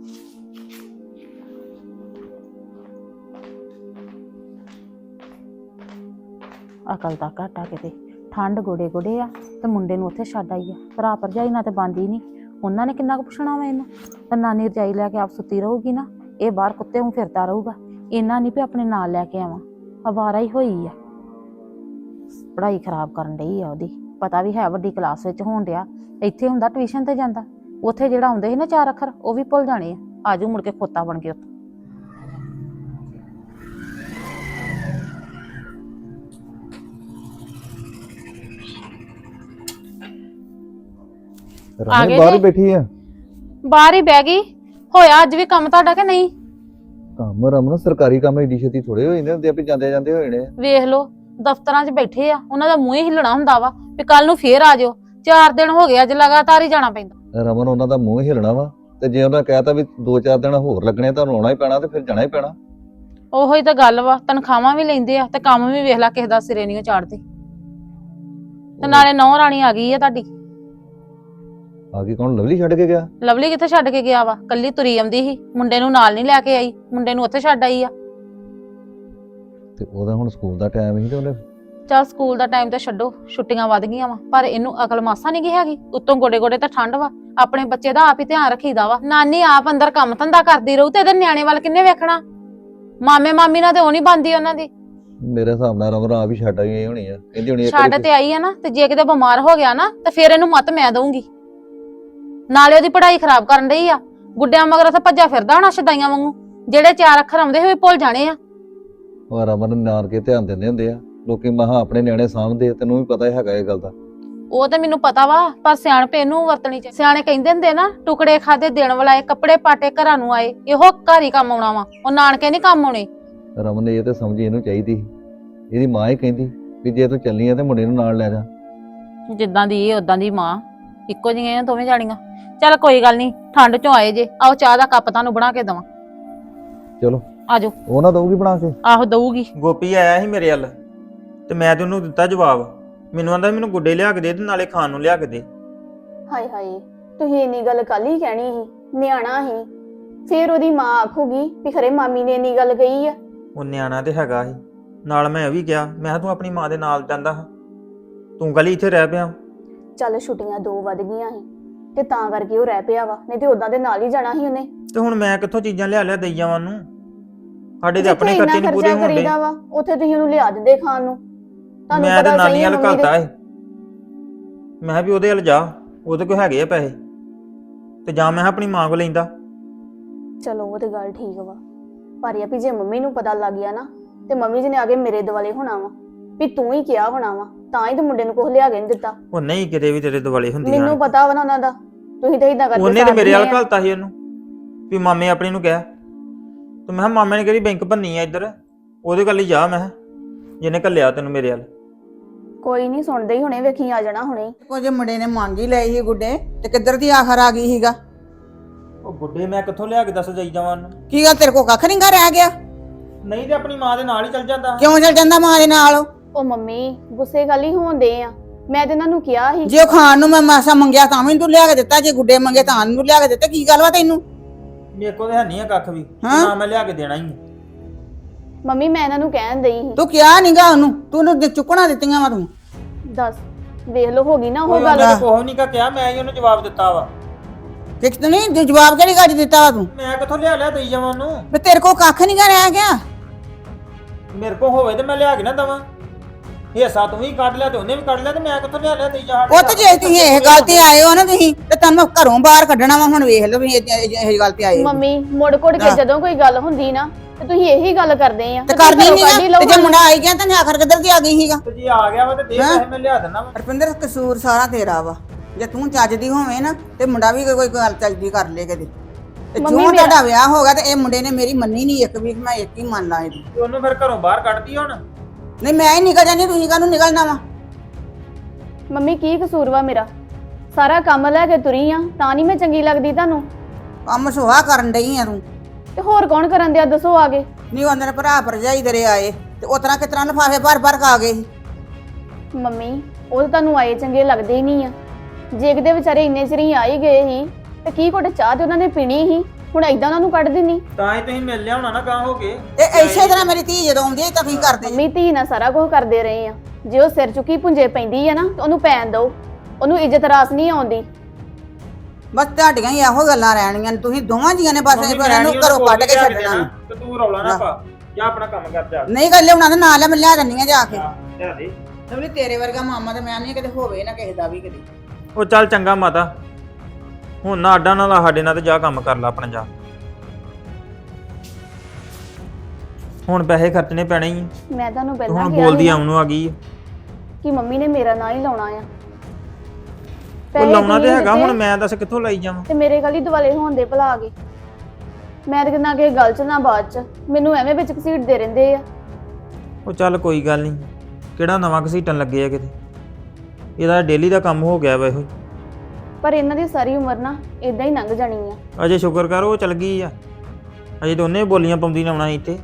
A: ਅਕਲ ਦਾ ਘਾਟਾ ਕਿਤੇ, ਠੰਡ ਗੋਡੇ ਗੋਡੇ ਆ ਤੇ ਮੁੰਡੇ ਨੂੰ ਉੱਥੇ ਛੱਡ ਆਈ ਆ। ਭਰਾ ਭਰਜਾਈ ਨਾਲ ਤੇ ਬੰਦੀ ਨਹੀਂ, ਉਹਨਾਂ ਨੇ ਕਿੰਨਾ ਕੁ ਪੁੱਛਣਾ ਵਾ ਇਹਨੂੰ। ਤੇ ਨਾਨੀ ਰਜਾਈ ਲੈ ਕੇ ਆਪ ਸੁੱਤੀ ਰਹੂਗੀ ਨਾ, ਇਹ ਬਾਹਰ ਕੁੱਤੇ ਨੂੰ ਫਿਰਦਾ ਰਹੂਗਾ। ਇਹਨਾਂ ਨਹੀਂ ਵੀ ਆਪਣੇ ਨਾਲ ਲੈ ਕੇ ਆਵਾਂ, ਅਵਾਰਾ ਹੀ ਹੋਈ ਆ। ਪੜ੍ਹਾਈ ਖਰਾਬ ਕਰਨ ਡਈ ਆ ਉਹਦੀ, ਪਤਾ ਵੀ ਹੈ ਵੱਡੀ ਕਲਾਸ ਵਿੱਚ ਹੋਣ ਡਿਆ। ਇੱਥੇ ਹੁੰਦਾ ਟਿਊਸ਼ਨ ਤੇ ਜਾਂਦਾ, ਉੱਥੇ ਜਿਹੜਾ ਆਉਂਦੇ ਸੀ ਨਾ ਚਾਰ ਅੱਖਰ ਉਹ ਵੀ ਭੁੱਲ ਜਾਣੇ ਆ। ਆਜੂ ਮੁੜ ਕੇ ਖੋਤਾ ਬਣ ਕੇ ਉੱਥੇ। ਆ ਗਏ
F: ਰਮਨ ਬਾਹਰ
A: ਜੀ?
F: ਹੀ ਬੈਠੀ ਆ।
A: ਬਾਹਰ ਹੀ ਬਹਿ ਗਈ। ਹੋਇਆ ਅੱਜ ਵੀ ਕੰਮ ਤੁਹਾਡਾ ਕਿ ਨਹੀਂ?
F: ਕੰਮ ਰਮਨ ਸਰਕਾਰੀ ਕੰਮ ਏਡੀ ਛੇਤੀ ਥੋੜੇ ਹੋ ਜਾਂਦੇ ਹੁੰਦੇ ਆ ਵੀ ਜਾਂਦੇ ਜਾਂਦੇ ਹੋ ਜਾਣੇ ਆ।
A: ਵੇਖ ਲੋ ਦਫ਼ਤਰਾਂ 'ਚ ਬੈਠੇ ਆ, ਉਹਨਾਂ ਦਾ ਮੂੰਹ ਹੀ ਹਿੱਲਣਾ ਹੁੰਦਾ ਵਾ ਵੀ ਕੱਲ ਨੂੰ ਫੇਰ ਆ ਜਾਓ। ਚਾਰ ਦਿਨ ਹੋ ਗਏ ਅੱਜ ਲਗਾਤਾਰ ਹੀ ਜਾਣਾ ਪੈਂਦਾ।
F: ਰਮਨ ਉਹਨਾਂ ਦਾ ਮੂੰਹ ਹਿਲਣਾ ਵਾ, ਤੇ ਜੇ ਉਹਨਾਂ ਕਹਿਤਾ ਵੀ ਦੋ ਚਾਰ ਦਿਨ ਹੋਰ ਲੱਗਣੇ ਤੁਹਾਨੂੰ ਆਉਣਾ ਹੀ ਪੈਣਾ ਤੇ ਫਿਰ ਜਾਣਾ ਹੀ ਪੈਣਾ।
A: ਉਹੋ ਹੀ ਤਾਂ ਗੱਲ ਵਾ, ਤਨਖਾਹਾਂ ਵੀ ਲੈਂਦੇ ਆ ਤੇ ਕੰਮ ਵੀ ਵੇਖ ਲੈ ਕਿਸੇ ਦਾ ਸਿਰੇ ਨਹੀਂ ਚਾੜਦੇ। ਤੇ ਨਾਲੇ ਨੌ ਰਾਣੀ ਆ ਗਈ ਆ ਤੁਹਾਡੀ।
F: ਆ ਗਈ ਕੌਣ? ਲਵਲੀ ਛੱਡ ਕੇ ਗਿਆ?
A: ਲਵਲੀ ਕਿੱਥੇ ਛੱਡ ਕੇ ਗਿਆ ਵਾ? ਕੱਲੀ ਤੁਰੀ ਆਉਂਦੀ ਸੀ, ਮੁੰਡੇ ਨੂੰ ਨਾਲ ਨਹੀਂ ਲੈ ਕੇ ਆਈ, ਮੁੰਡੇ ਨੂੰ ਉੱਥੇ ਛੱਡ ਆਈ ਆ।
F: ਤੇ ਉਹਦਾ ਹੁਣ ਸਕੂਲ ਦਾ ਟਾਈਮ ਸੀ ਤੇ ਉਹਨੇ।
A: ਚੱਲ ਸਕੂਲ ਦਾ ਟਾਈਮ ਤੇ ਛੱਡੋ, ਛੁੱਟੀਆਂ ਵੱਧ ਗਈਆਂ ਵਾ, ਪਰ ਇਹਨੂੰ ਅਕਲ ਮਾਸਾ ਨਹੀਂ ਗਈ ਹੈਗੀ। ਉੱਤੋਂ ਗੋਡੇ ਗੋਡੇ ਤਾਂ ਠੰਡ ਵਾ, ਆਪਣੇ ਬੱਚੇ ਦਾ ਆਪ ਹੀ ਧਿਆਨ ਰੱਖੀਦਾ ਵਾ। ਨਾਨੀ ਆਪ ਅੰਦਰ ਕੰਮ ਧੰਦਾ ਕਰਦੀ ਰਹੂ ਤੇ ਇਹਦੇ ਨਿਆਣੇ ਵੱਲ ਕਿੰਨੇ ਵੇਖਣਾ? ਮਾਮੇ ਮਾਮੀ ਨਾਲ ਤੇ ਉਹ ਨਹੀਂ ਬਣਦੀ ਉਹਨਾਂ ਦੀ।
F: ਮੇਰੇ ਹਿਸਾਬ ਨਾਲ ਰਮਨ ਆਪ ਹੀ ਛੱਡ ਆਈ ਹੋਣੀ ਆ, ਕਹਿੰਦੀ ਹੋਣੀ ਇੱਕ
A: ਛੱਡ
F: ਵਾਰੀ
A: ਤੇ ਆਈ ਆ ਨਾ, ਤੇ ਜੇ ਕਿਤੇ ਬਿਮਾਰ ਹੋ ਗਿਆ ਨਾ ਤੇ ਫੇਰ ਇਹਨੂੰ ਮੱਤ ਮੈਂ ਦਊਂਗੀ। ਨਾਲੇ ਉਹਦੀ ਪੜ੍ਹਾਈ ਖਰਾਬ ਕਰਨ ਡਈ ਆ, ਗੁੱਡਿਆਂ ਮਗਰ ਉੱਥੇ ਭੱਜਾ ਫਿਰਦਾ ਹੋਣਾ ਸ਼ਦਾਈਆਂ ਵਾਂਗੂ। ਜਿਹੜੇ ਚਾਰ ਅੱਖਰ ਆਉਂਦੇ ਹੋਏ ਭੁੱਲ ਜਾਣੇ ਆ।
F: ਉਹ ਰਮਨ ਨਾਨਕੇ ਧਿਆਨ ਦਿੰਦੇ ਹੁੰਦੇ ਆ ਲੋਕੀ, ਮਹਾ ਆਪਣੇ ਨਿਆਣੇ ਸਾਂਭਦੇ, ਤੈਨੂੰ ਵੀ ਪਤਾ ਹੈਗਾ ਇਹ ਗੱਲ ਦਾ।
A: ਉਹ ਤੇ ਮੈਨੂੰ ਪਤਾ ਵਾ, ਪਰ ਸਿਆਣਪੇ ਇਹਨੂੰ ਵਰਤਣੀ ਚਾਹੀਦੀ। ਸਿਆਣੇ ਕਹਿੰਦੇ ਹੁੰਦੇ ਨਾ, ਟੁਕੜੇ ਖਾਦੇ ਦੇਣ ਵਾਲਾ, ਕੱਪੜੇ ਪਾਟੇ ਘਰਾਂ ਨੂੰ ਆਏ, ਇਹੋ ਘਰ ਹੀ ਕੰਮ ਆਉਣਾ ਵਾ, ਉਹ ਨਾਨਕੇ ਨਹੀਂ ਕੰਮ ਆਉਣੇ।
F: ਰਮਨ ਇਹ ਤੇ ਸਮਝੀ ਇਹਨੂੰ ਚਾਹੀਦੀ ਸੀ। ਇਹਦੀ ਮਾਂ ਹੀ ਕਹਿੰਦੀ ਵੀ ਜੇ ਤੂੰ ਚੱਲੀ ਆ ਤੇ ਮੁੰਡੇ ਨੂੰ ਨਾਲ ਲੈ ਜਾ।
A: ਜਿੱਦਾਂ ਦੀ ਇਹ ਉਦਾਂ ਦੀ ਮਾਂ, ਇੱਕੋ ਜਿਹੀਆਂ ਦੋਵੇਂ ਜਾਣੀਆਂ। ਚੱਲ ਕੋਈ ਗੱਲ ਨਹੀਂ, ਠੰਡ ਚੋਂ ਆਏ ਜੇ, ਆਓ ਚਾਹ ਦਾ ਕੱਪ ਤੁਹਾਨੂੰ ਬਣਾ ਕੇ ਦੇਵਾਂ।
F: ਚਲੋ
A: ਆਜੋ।
F: ਉਹ ਨਾ ਦਊਗੀ ਬਣਾ ਕੇ?
A: ਆਹੋ ਦਊਗੀ।
E: ਗੋਪੀ ਆਇਆ ਸੀ ਮੇਰੇ ਵੱਲ ਤੇ ਮੈਂ ਤੇ ਉਹਨੂੰ ਦਿੱਤਾ ਜਵਾਬ। ਮੈਨੂੰ ਆਂਦਾ ਮੈਨੂੰ ਗੁੱਡੇ ਲਿਆ ਕੇ ਦੇ ਤੇ ਨਾਲੇ ਖਾਣ ਨੂੰ ਲਿਆ ਕੇ ਦੇ।
G: ਹਾਏ ਹਾਏ, ਤੁਸੀਂ ਇੰਨੀ ਗੱਲ ਕੱਲ ਹੀ ਕਹਿਣੀ ਸੀ, ਨਿਆਣਾ ਸੀ। ਫੇਰ ਉਹਦੀ ਮਾਂ ਆਖੂਗੀ ਵੀ ਖਰੇ ਮਾਮੀ ਨੇ ਇੰਨੀ ਗੱਲ ਕਹੀ ਆ।
E: ਉਹ ਨਿਆਣਾ ਤੇ ਹੈਗਾ ਸੀ, ਨਾਲ ਮੈਂ ਇਹ ਵੀ ਕਿਹਾ, ਮੈਂ ਕਿਹਾ ਤੂੰ ਆਪਣੀ ਮਾਂ ਦੇ ਨਾਲ ਜਾਂਦਾ, ਤੂੰ ਗਲੀ ਇੱਥੇ ਰਹਿ ਪਿਆ।
G: ਚੱਲ ਛੁੱਟੀਆਂ ਦੋ ਵੱਧ ਗਈਆਂ ਸੀ ਤੇ ਤਾਂ ਕਰਕੇ ਉਹ ਰਹਿ ਪਿਆ ਵਾ, ਨਹੀਂ ਤੇ ਉਦਾਂ ਦੇ ਨਾਲ ਹੀ ਜਾਣਾ ਸੀ ਉਹਨੇ।
E: ਤੇ ਹੁਣ ਮੈਂ ਕਿੱਥੋਂ ਚੀਜ਼ਾਂ ਲਿਆ ਲਿਆ ਦੇਈ ਜਾਵਾਂ ਉਹਨੂੰ? ਸਾਡੇ ਤੇ
G: ਜਿੱਥੇ
E: ਆਪਣੇ
G: ਇੰਨਾ
E: ਖਰਚੇ ਨਹੀਂ ਪੂਰੇ
G: ਖਰਚਾ
E: ਹੋਣਦੇ।
G: ਕਰੀਦਾ ਵਾ ਉੱਥੇ ਤੁਸੀਂ ਉਹਨੂੰ ਲਿਆ ਦਿੰਦੇ ਖਾਣ ਨੂੰ। ਤੁਹਾਨੂੰ
E: ਮੈਂ ਤੇ
G: ਪਤਾ
E: ਨਾਨੀ
G: ਸਹੀ ਹੈ
E: ਵੱਲ
G: ਮੰਮੀ ਦੇ।
E: ਘਲਤਾ ਏ, ਮੈਂ ਕਿਹਾ ਵੀ ਉਹਦੇ ਵੱਲ ਜਾ, ਉਹਦੇ ਕੋਲ ਹੈਗੇ ਆ ਪੈਸੇ, ਤੇ ਜਾਂ ਮੈਂ ਆਪਣੀ ਮਾਂ ਕੋਲ ਲੈਂਦਾ।
G: ਚਲੋ ਉਹ ਤੇ ਗੱਲ ਠੀਕ ਵਾ, ਪਰ ਇਹ ਵੀ ਜੇ ਮੰਮੀ ਨੂੰ ਪਤਾ ਲੱਗ ਗਿਆ ਨਾ ਤੇ ਮੰਮੀ ਜੀ ਨੇ ਆ ਕੇ ਮੇਰੇ ਦੁਆਲੇ ਹੋਣਾ ਵਾ ਵੀ ਤੂੰ ਹੀ ਕਿਹਾ ਹੋਣਾ ਵਾ, ਤਾਂ ਹੀ ਤੇ ਮੁੰਡੇ ਨੂੰ ਕੁਝ ਲਿਆ ਕੇ ਨਹੀਂ ਦਿੱਤਾ।
E: ਉਹ ਨਹੀਂ ਕਿਤੇ ਵੀ ਤੇਰੇ ਦੁਆਲੇ ਹੁੰਦੀਆਂ।
G: ਮੈਨੂੰ ਪਤਾ ਵਾ ਨਾ ਉਹਨਾਂ ਦਾ, ਤੁਸੀਂ ਤਾਂ ਇਦਾਂ ਕਰਕੇ
E: ਉਹਨੇ ਤੇ
G: ਸਾਥ
E: ਮੇਰੇ ਵੱਲ
G: ਦਿੰਦੇ ਆ।
E: ਘਲਤਾ ਸੀ ਉਹਨੂੰ ਵੀ ਮਾਮੇ ਆਪਣੀ ਨੂੰ ਕਿਹਾ, ਤੇ ਮੈਂ ਕਿਹਾ ਮਾਮੇ ਨੇ ਕਿਹੜੀ ਬੈਂਕ ਭੰਨੀ ਆ ਇੱਧਰ, ਉਹਦੇ ਕੋਲ ਹੀ ਜਾ। ਮੈਂ ਕਿਹਾ ਜਿਹਨੇ ਘੱਲਿਆ ਤੈਨੂੰ ਮੇਰੇ ਵੱਲ।
G: ਕੋਈ ਨਹੀਂ ਸੁਣਦੇ ਹੀ ਹੁਣੇ, ਵੇਖੀ ਆ ਜਾਣਾ ਹੁਣੇ।
D: ਕੁਝ ਮੁੰਡੇ ਨੇ ਮੰਗ ਹੀ ਲਏ ਸੀ ਗੁੱਡੇ, ਤੇ ਕਿੱਧਰ ਦੀ ਆਖਰ ਆ ਗਈ ਸੀਗਾ।
E: ਉਹ ਗੁੱਡੇ ਮੈਂ ਕਿੱਥੋਂ ਲਿਆ ਕੇ ਦੱਸ ਜਾਈ ਜਾਵਾਂ ਉਹਨੂੰ?
D: ਕੀ ਗੱਲ ਤੇਰੇ ਕੋ ਕੱਖ ਨਹੀਂ ਗਾ ਰਹਿ ਗਿਆ?
E: ਨਹੀਂ ਤੇ ਆਪਣੀ ਮਾਂ ਦੇ ਨਾਲ ਹੀ ਚੱਲ ਜਾਂਦਾ
D: ਕਿਉਂ ਚੱਲ ਜਾਂਦਾ ਮਾਂ ਦੇ ਨਾਲ ਉਹ?
G: ਉਹ ਮੰਮੀ ਗੁੱਸੇ ਗੱਲ ਹੀ ਹੋਣਦੇ ਆ। ਮੈਂ ਤੇ ਇਹਨਾਂ ਨੂੰ ਕਿਹਾ ਸੀ
D: ਜੇ ਉਹ ਖਾਣ ਨੂੰ ਮੈਂ ਮਾਸਾ ਮੰਗਿਆ ਤਾਂ ਵੀ ਨੀ ਤੂੰ ਲਿਆ ਕੇ ਦਿੱਤਾ, ਜੇ ਗੁੱਡੇ ਮੰਗੇ ਤਾਂ ਨੂੰ ਲਿਆ ਕੇ ਦਿੱਤਾ। ਕੀ ਗੱਲ ਵਾ ਤੈਨੂੰ?
E: ਮੇਰੇ ਕੋਲ ਤੇ ਹੈ ਨਹੀਂ ਆ ਕੱਖ ਵੀ
D: ਹਾਂ?
E: ਨਾ ਮੈਂ ਲਿਆ ਕੇ ਦੇਣਾ ਹੀ
G: ਮੰਮੀ ਮੈਂ ਇਹਨਾਂ ਨੂੰ ਕਹਿਣ ਦਈ ਸੀ।
D: ਤੂੰ ਕਿਹਾ ਨਹੀਂਗਾ ਉਹਨੂੰ, ਤੂੰ ਉਹਨੂੰ ਦੇ- ਚੁੱਕਣਾ ਦਿੱਤੀਆਂ ਵਾ ਤੂੰ।
G: ਦੱਸ ਵੇਖ ਲਓ ਹੋ ਗਈ ਨਾ ਉਹ
E: ਉਹ
G: ਗੱਲ।
E: ਗੱਲ ਕੋਹ ਨਹੀਂ ਕਾ ਕਿਹਾ, ਮੈਂ ਹੀ ਉਹਨੂੰ ਜਵਾਬ ਦਿੱਤਾ ਵਾ।
D: ਕਿਕ ਤੂੰ ਨਹੀਂ ਜਵਾਬ ਕਿਹੜੀ ਗੱਜ ਦਿੱਤਾ ਵਾ ਤੂੰ?
E: ਮੈਂ ਕਿੱਥੋਂ ਲਿਆ ਲਿਆ ਦੇਈ ਜਾਵਾਂ ਉਹਨੂੰ?
D: ਵੀ ਤੇਰੇ ਕੋਲ ਕੱਖ ਨਹੀਂ ਗਾ ਰਹਿ ਗਿਆ।
E: ਮੇਰੇ ਕੋਲ ਹੋਵੇ ਤੇ ਮੈਂ ਲਿਆ ਕੇ ਨਾ ਦਵਾਂ। ਹਿੱਸਾ ਤੂੰ ਵੀ ਕੱਢ ਲਿਆ ਤੇ ਉਹਨੇ ਵੀ ਕੱਢ ਲਿਆ ਤੇ ਮੈਂ ਕਿੱਥੋਂ ਲਿਆ ਲਿਆ ਦੇਈ ਜਾ।
D: ਉਹ ਤੇ ਜੇ ਤੁਸੀਂ ਇਹ ਗੱਲ ਤੇ ਆਏ ਹੋ ਨਾ ਤੁਸੀਂ ਤੇ ਤੁਹਾਨੂੰ ਘਰੋਂ ਬਾਹਰ ਕੱਢਣਾ ਵਾ। ਹੁਣ ਵੇਖ ਲਓ ਵੀ ਇਹ ਇਹ- ਇਹ ਗੱਲ ਤੇ ਆਏ ਹੋ।
G: ਮੰਮੀ ਮੁੜ ਕੁੜ ਕੇ
D: ਹਾਂ।
G: ਜਦੋਂ ਕੋਈ ਗੱਲ ਹੁੰਦੀ ਨਾ ਤੇ ਤੁਸੀਂ ਇਹੀ ਗੱਲ ਕਰਦੇ ਆ
D: ਤੇ
G: ਤੁਸੀਂ
D: ਕਰਨੀ
G: ਘਰੋਂ
D: ਨਹੀਂ
G: ਕੱਢ ਹੀ
D: ਨਾ
G: ਲਓ
D: ਤੇ ਜੇ
G: ਸਾਨੂੰ।
D: ਮੁੰਡਾ ਆਈ ਗਿਆ ਤਾਂ ਆਖਰ ਕਿੱਧਰ ਦੀ ਆ ਗਈ ਸੀਗਾ।
E: ਤੇ ਜੇ ਆ ਗਿਆ ਵਾ ਤੇ ਦੇ
D: ਹਾਂ?
E: ਪੈਸੇ ਮੈਂ ਲਿਆ ਦਿੰਦਾ ਵਾ।
D: ਰਪਿੰਦਰ ਕਸੂਰ ਸਾਰਾ ਤੇਰਾ ਵਾ। ਜੇ ਤੂੰ ਚੱਜਦੀ ਹੋਵੇਂ ਨਾ ਤੇ ਮੁੰਡਾ ਵੀ ਕੋਈ ਗੱਲ ਚੱਜਦੀ ਕਰ ਲੇ ਕਦੇ। ਤੇ
G: ਮੰਮੀ
D: ਜੋ
G: ਮੇਰਾ-
D: ਤੁਹਾਡਾ ਵਿਆਹ ਹੋ ਗਿਆ ਤੇ ਇਹ ਮੁੰਡੇ ਨੇ ਮੇਰੀ ਮੰਨੀ ਨਹੀਂ ਇੱਕ ਵੀ, ਮੈਂ ਇੱਕ ਹੀ ਮੰਨ ਲਾਂ ਇਹਦੀ।
E: ਤੇ ਉਹਨੂੰ ਫਿਰ ਘਰੋਂ ਬਾਹਰ ਕੱਢਦੀ ਹੁਣ।
D: ਨਹੀਂ ਮੈਂ ਹੀ ਨਿਕਲ ਜਾਂਦੀ, ਤੁਸੀਂ ਕਾਹਨੂੰ ਨਿਕਲਣਾ ਵਾ?
G: ਮੰਮੀ ਕੀ ਕਸੂਰ ਵਾ ਮੇਰਾ? ਸਾਰਾ ਕੰਮ ਲੈ ਕੇ ਤੁਰੀ ਆ ਤਾਂ ਨਹੀਂ ਮੈਂ ਚੰਗੀ ਲੱਗਦੀ ਤੁਹਾਨੂੰ?
D: ਕੰਮ ਸੁਹਾ ਕਰਨ ਡਈ ਆ ਤੂੰ।
G: ਤੇ ਹੋਰ ਕੌਣ ਕਰਨ ਦਿਆ ਦੱਸੋ ਆਗੇ?
D: ਨਹੀਂ ਉਹਦੇ ਭਰਾ ਭਰਜਾਈ ਤੇਰੇ ਆਏ ਤੇ ਉਸ ਤਰ੍ਹਾਂ ਕਿਸ ਤਰ੍ਹਾਂ ਲਫਾਫੇ ਭਰ ਭਰ ਕੇ ਆ ਗਏ ਸੀ।
G: ਮੰਮੀ ਉਹ ਤਾਂ ਤੁਹਾਨੂੰ ਆਏ ਚੰਗੇ ਲੱਗਦੇ ਹੀ ਨਹੀਂ ਆ। ਜੇ ਕਿਤੇ ਵਿਚਾਰੇ ਇੰਨੇ ਚਿਰ ਹੀ ਆ ਹੀ ਗਏ ਸੀ ਤੇ ਕੀ ਘੁੱਟ ਚਾਹ ਤੇ ਉਹਨਾਂ ਨੇ ਪੀਣੀ ਸੀ, ਹੁਣ ਏਦਾਂ ਉਹਨਾਂ ਨੂੰ ਕੱਢ ਦਿੰਨੀ।
E: ਤਾਂ ਹੀ ਤੁਸੀਂ ਮਿਲ ਲਿਆ ਹੋਣਾ ਨਾ ਗਾਂ ਹੋ ਕੇ।
D: ਤੇ ਇਸੇ ਤਰ੍ਹਾਂ ਮੇਰੀ ਧੀ ਜਦੋਂ ਆਉਂਦੀ ਹੈ ਤਾਂ ਤੁਸੀਂ ਕਰਦੇ ਜੀ।
G: ਮੰਮੀ ਧੀ ਨਾਲ ਸਾਰਾ ਕੁਝ ਕਰਦੇ ਰਹੇ ਆ। ਜੇ ਉਹ ਸਿਰ ਚੁੱਕੀ ਪੁੰਜੇ ਪੈਂਦੀ ਆ ਨਾ ਤੇ ਉਹਨੂੰ ਪੈਣ ਦਿਓ। ਉਹਨੂੰ ਇੱਜ਼ਤ ਰਾਸ ਨਹੀਂ ਆਉਂਦੀ।
D: ਬਸ ਤੁਹਾਡੀਆਂ ਹੀ ਇਹੋ ਗੱਲਾਂ ਰਹਿਣੀਆਂ ਨੇ। ਤੁਸੀਂ ਦੋਵਾਂ ਜੀਆਂ ਨੇ ਬਸ
E: ਮੰਮੀ
D: ਇਹ ਇਹਨੂੰ
E: ਮੈਂ
D: ਘਰੋਂ
E: ਨੀ
D: ਕੱਢ ਕੇ
E: ਲਿਆ
D: ਛੱਡਣਾ।
E: ਦੇਣਾ ਤੇ ਤੂੰ ਰੌਲਾ ਨਾ ਪਾ ਜਾਂ ਆਪਣਾ ਕੰਮ ਕਰ ਜਾ।
D: ਨਹੀਂ ਗੱਲ ਲਿਆਉਣਾ ਤੇ ਨਾਲ ਮੈਂ ਲਿਆ ਦਿੰਨੀ ਆ ਜਾ ਕੇ।
E: ਲਿਆ ਦੇ।
D: ਤੇ ਤੇਰੇ ਵਰਗਾ ਮਾਮਾ ਤੇ ਮੈਂ ਨਹੀਂ ਕਿਤੇ ਹੋਵੇ ਨਾ ਕਿਸੇ ਦਾ ਵੀ ਕਿਤੇ।
E: ਉਹ ਚੱਲ ਚੰਗਾ ਮਾਤਾ, ਹੁਣ ਨਾ ਅੱਡਾ ਨਾਲ ਸਾਡੇ ਨਾਲ ਤੇ ਜਾ ਕੰਮ ਕਰ ਲੈ ਆਪਣਾ ਜਾ। ਹੁਣ ਪੈਸੇ ਖਰਚਣੇ ਪੈਣੇ ਹੀ ਆ।
G: ਮੈਂ ਤੁਹਾਨੂੰ
E: ਤੂੰ
G: ਪਹਿਲਾਂ
E: ਹੁਣ
G: ਕਿਹਾ
E: ਬੋਲਦੀ
G: ਸੀ
E: ਆਉਣ ਨੂੰ ਆ ਗਈ ਆ।
G: ਕਿ ਮੰਮੀ ਨੇ ਮੇਰਾ ਨਾਂ ਹੀ ਲਾਉਣਾ ਆ।
E: ਉਹ
G: ਪੈਸੇ
E: ਲਾਉਣਾ ਤੇ
G: ਤੁਸੀਂ
E: ਹੈਗਾ,
G: ਦਿੱਤੇ
E: ਹੁਣ ਮੈਂ ਦੱਸ ਕਿੱਥੋਂ ਲਈ ਜਾਵਾਂ?
G: ਤੇ ਮੇਰੇ ਗਲੀ ਦੁਆਲੇ ਹੋਣ ਦੇ ਭਲਾ ਆ ਗਏ। ਮੈਂ ਤੇ ਨਾ ਕਿਸੇ ਗੱਲ ਚ ਨਾ ਬਾਤ ਚ, ਮੈਨੂੰ ਐਵੇਂ ਵਿੱਚ ਘਸੀਟਦੇ ਰਹਿੰਦੇ ਆ।
E: ਉਹ ਚੱਲ ਕੋਈ ਗੱਲ ਨਹੀਂ, ਕਿਹੜਾ ਨਵਾਂ ਘਸੀਟਣ ਲੱਗੇ ਆ ਕਿਤੇ। ਇਹਦਾ ਡੇਲੀ ਦਾ ਕੰਮ ਹੋ ਗਿਆ ਵਾ ਇਹੋ।
G: ਪਰ ਇਹਨਾਂ ਦੀ ਸਾਰੀ ਉਮਰ ਨਾ ਇਦਾਂ ਹੀ ਲੰਘ ਜਾਣੀ ਆ।
E: ਅਜੇ ਸ਼ੁਕਰ ਕਰ ਉਹ ਚਲ ਗਈ ਆ, ਅਜੇ ਦੋਨੇ ਬੋਲੀਆਂ ਪਾਉਂਦੀ ਨਾ ਆਉਣਾ ਇੱਥੇ।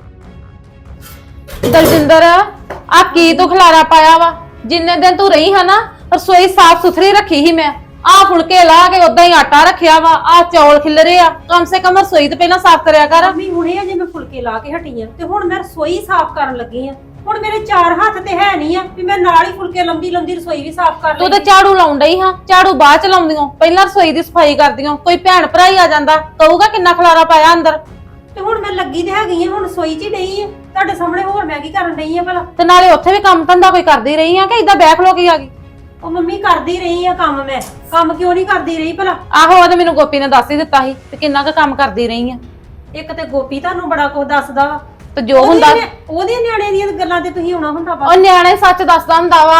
A: ਦਲਜਿੰਦਰ ਆ ਕੀ ਤੂੰ ਖਲਾਰਾ ਪਾਇਆ ਵਾ? ਜਿੰਨੇ ਦਿਨ ਤੂੰ ਰਹੀ ਹੈ ਨਾ ਰਸੋਈ ਸਾਫ ਸੁਥਰੀ ਰੱਖੀ ਸੀ ਮੈਂ। ਆ ਫੁਲਕੇ ਲਾ ਕੇ ਉਦਾਂ ਹੀ ਆਟਾ ਰੱਖਿਆ ਵਾ, ਆ ਚੌਲ ਖਿਲਰੇ ਆ। ਕਮ ਸੇ ਕਮ ਰਸੋਈ ਤੇ ਪਹਿਲਾਂ ਸਾਫ ਕਰਿਆ ਕਰ।
B: ਮੰਮੀ ਹੁਣੇ ਅਜੇ ਮੈਂ ਫੁਲਕੇ ਲਾ ਕੇ ਹਟੀ ਆ ਤੇ ਹੁਣ ਮੈਂ ਰਸੋਈ ਸਾਫ਼ ਕਰਨ ਲੱਗੀ ਆ। ਹੁਣ ਮੇਰੇ ਚਾਰ ਹੱਥ ਤੇ ਹੈ ਨਹੀਂ ਆ ਵੀ ਮੈਂ ਨਾਲ ਹੀ ਫੁਲਕੇ ਲੰਬੀ ਲੰਬੀ ਰਸੋਈ ਵੀ ਸਾਫ਼ ਕਰ
A: ਤੂੰ
B: ਲਈ।
A: ਤੇ ਝਾੜੂ ਲਾਉਣ ਡਈ ਹਾਂ, ਝਾੜੂ ਬਾਅਦ ਚ ਲਾਉਂਦੀਆਂ, ਪਹਿਲਾਂ ਰਸੋਈ ਦੀ ਸਫਾਈ ਕਰਦੀਆਂ। ਕੋਈ ਭੈਣ ਭਰਾ ਹੀ ਆ ਜਾਂਦਾ ਕਹੂਗਾ ਕਿੰਨਾ ਖਲਾਰਾ ਪਾਇਆ ਅੰਦਰ।
B: ਤੇ ਹੁਣ ਮੈਂ ਲੱਗੀ ਤੇ ਹੈਗੀ ਆ, ਹੁਣ ਰਸੋਈ 'ਚ ਹੀ ਡਈ ਆ ਤੁਹਾਡੇ ਸਾਹਮਣੇ। ਹੋਰ ਮੈਂ ਕੀ ਕਰਨ ਡਈ ਆ ਭਲਾ?
A: ਤੇ ਨਾਲੇ ਉੱਥੇ ਵੀ ਕੰਮ ਧੰਦਾ ਕੋਈ ਕਰਦੀ ਰਹੀ ਆ ਕਿ ਇਦਾਂ ਬੈਠ ਲੋ ਕੇ ਆ ਗਈ?
B: ਉਹ ਮੰਮੀ ਕਰਦੀ ਰਹੀ ਆ ਕੰਮ। ਮੈਂ ਕੰਮ ਕਿਉਂ ਨਹੀਂ ਕਰਦੀ ਰਹੀ ਭਲਾ?
A: ਆਹੋ ਉਹ ਤੇ ਮੈਨੂੰ ਗੋਪੀ ਨੇ ਦੱਸ ਹੀ ਦਿੱਤਾ ਸੀ ਤੇ ਕਿੰਨਾ ਕੁ ਕੰਮ ਕਰਦੀ ਰਹੀ ਆ।
B: ਇੱਕ ਤੇ ਗੋਪੀ ਤੁਹਾਨੂੰ ਬੜਾ ਕੁਝ ਦੱਸਦਾ ਵਾ,
A: ਤੇ ਜੋ ਹੁੰਦਾ
B: ਉਹਦੇ ਨਿਆ- ਉਹਦੇ ਨਿਆਣੇ ਦੀਆਂ ਗੱਲਾਂ ਤੇ ਤੁਸੀਂ ਆਉਣਾ ਹੁੰਦਾ ਵਾ।
A: ਉਹ ਨਿਆਣੇ ਸੱਚ ਦੱਸਦਾ ਹੁੰਦਾ ਵਾ।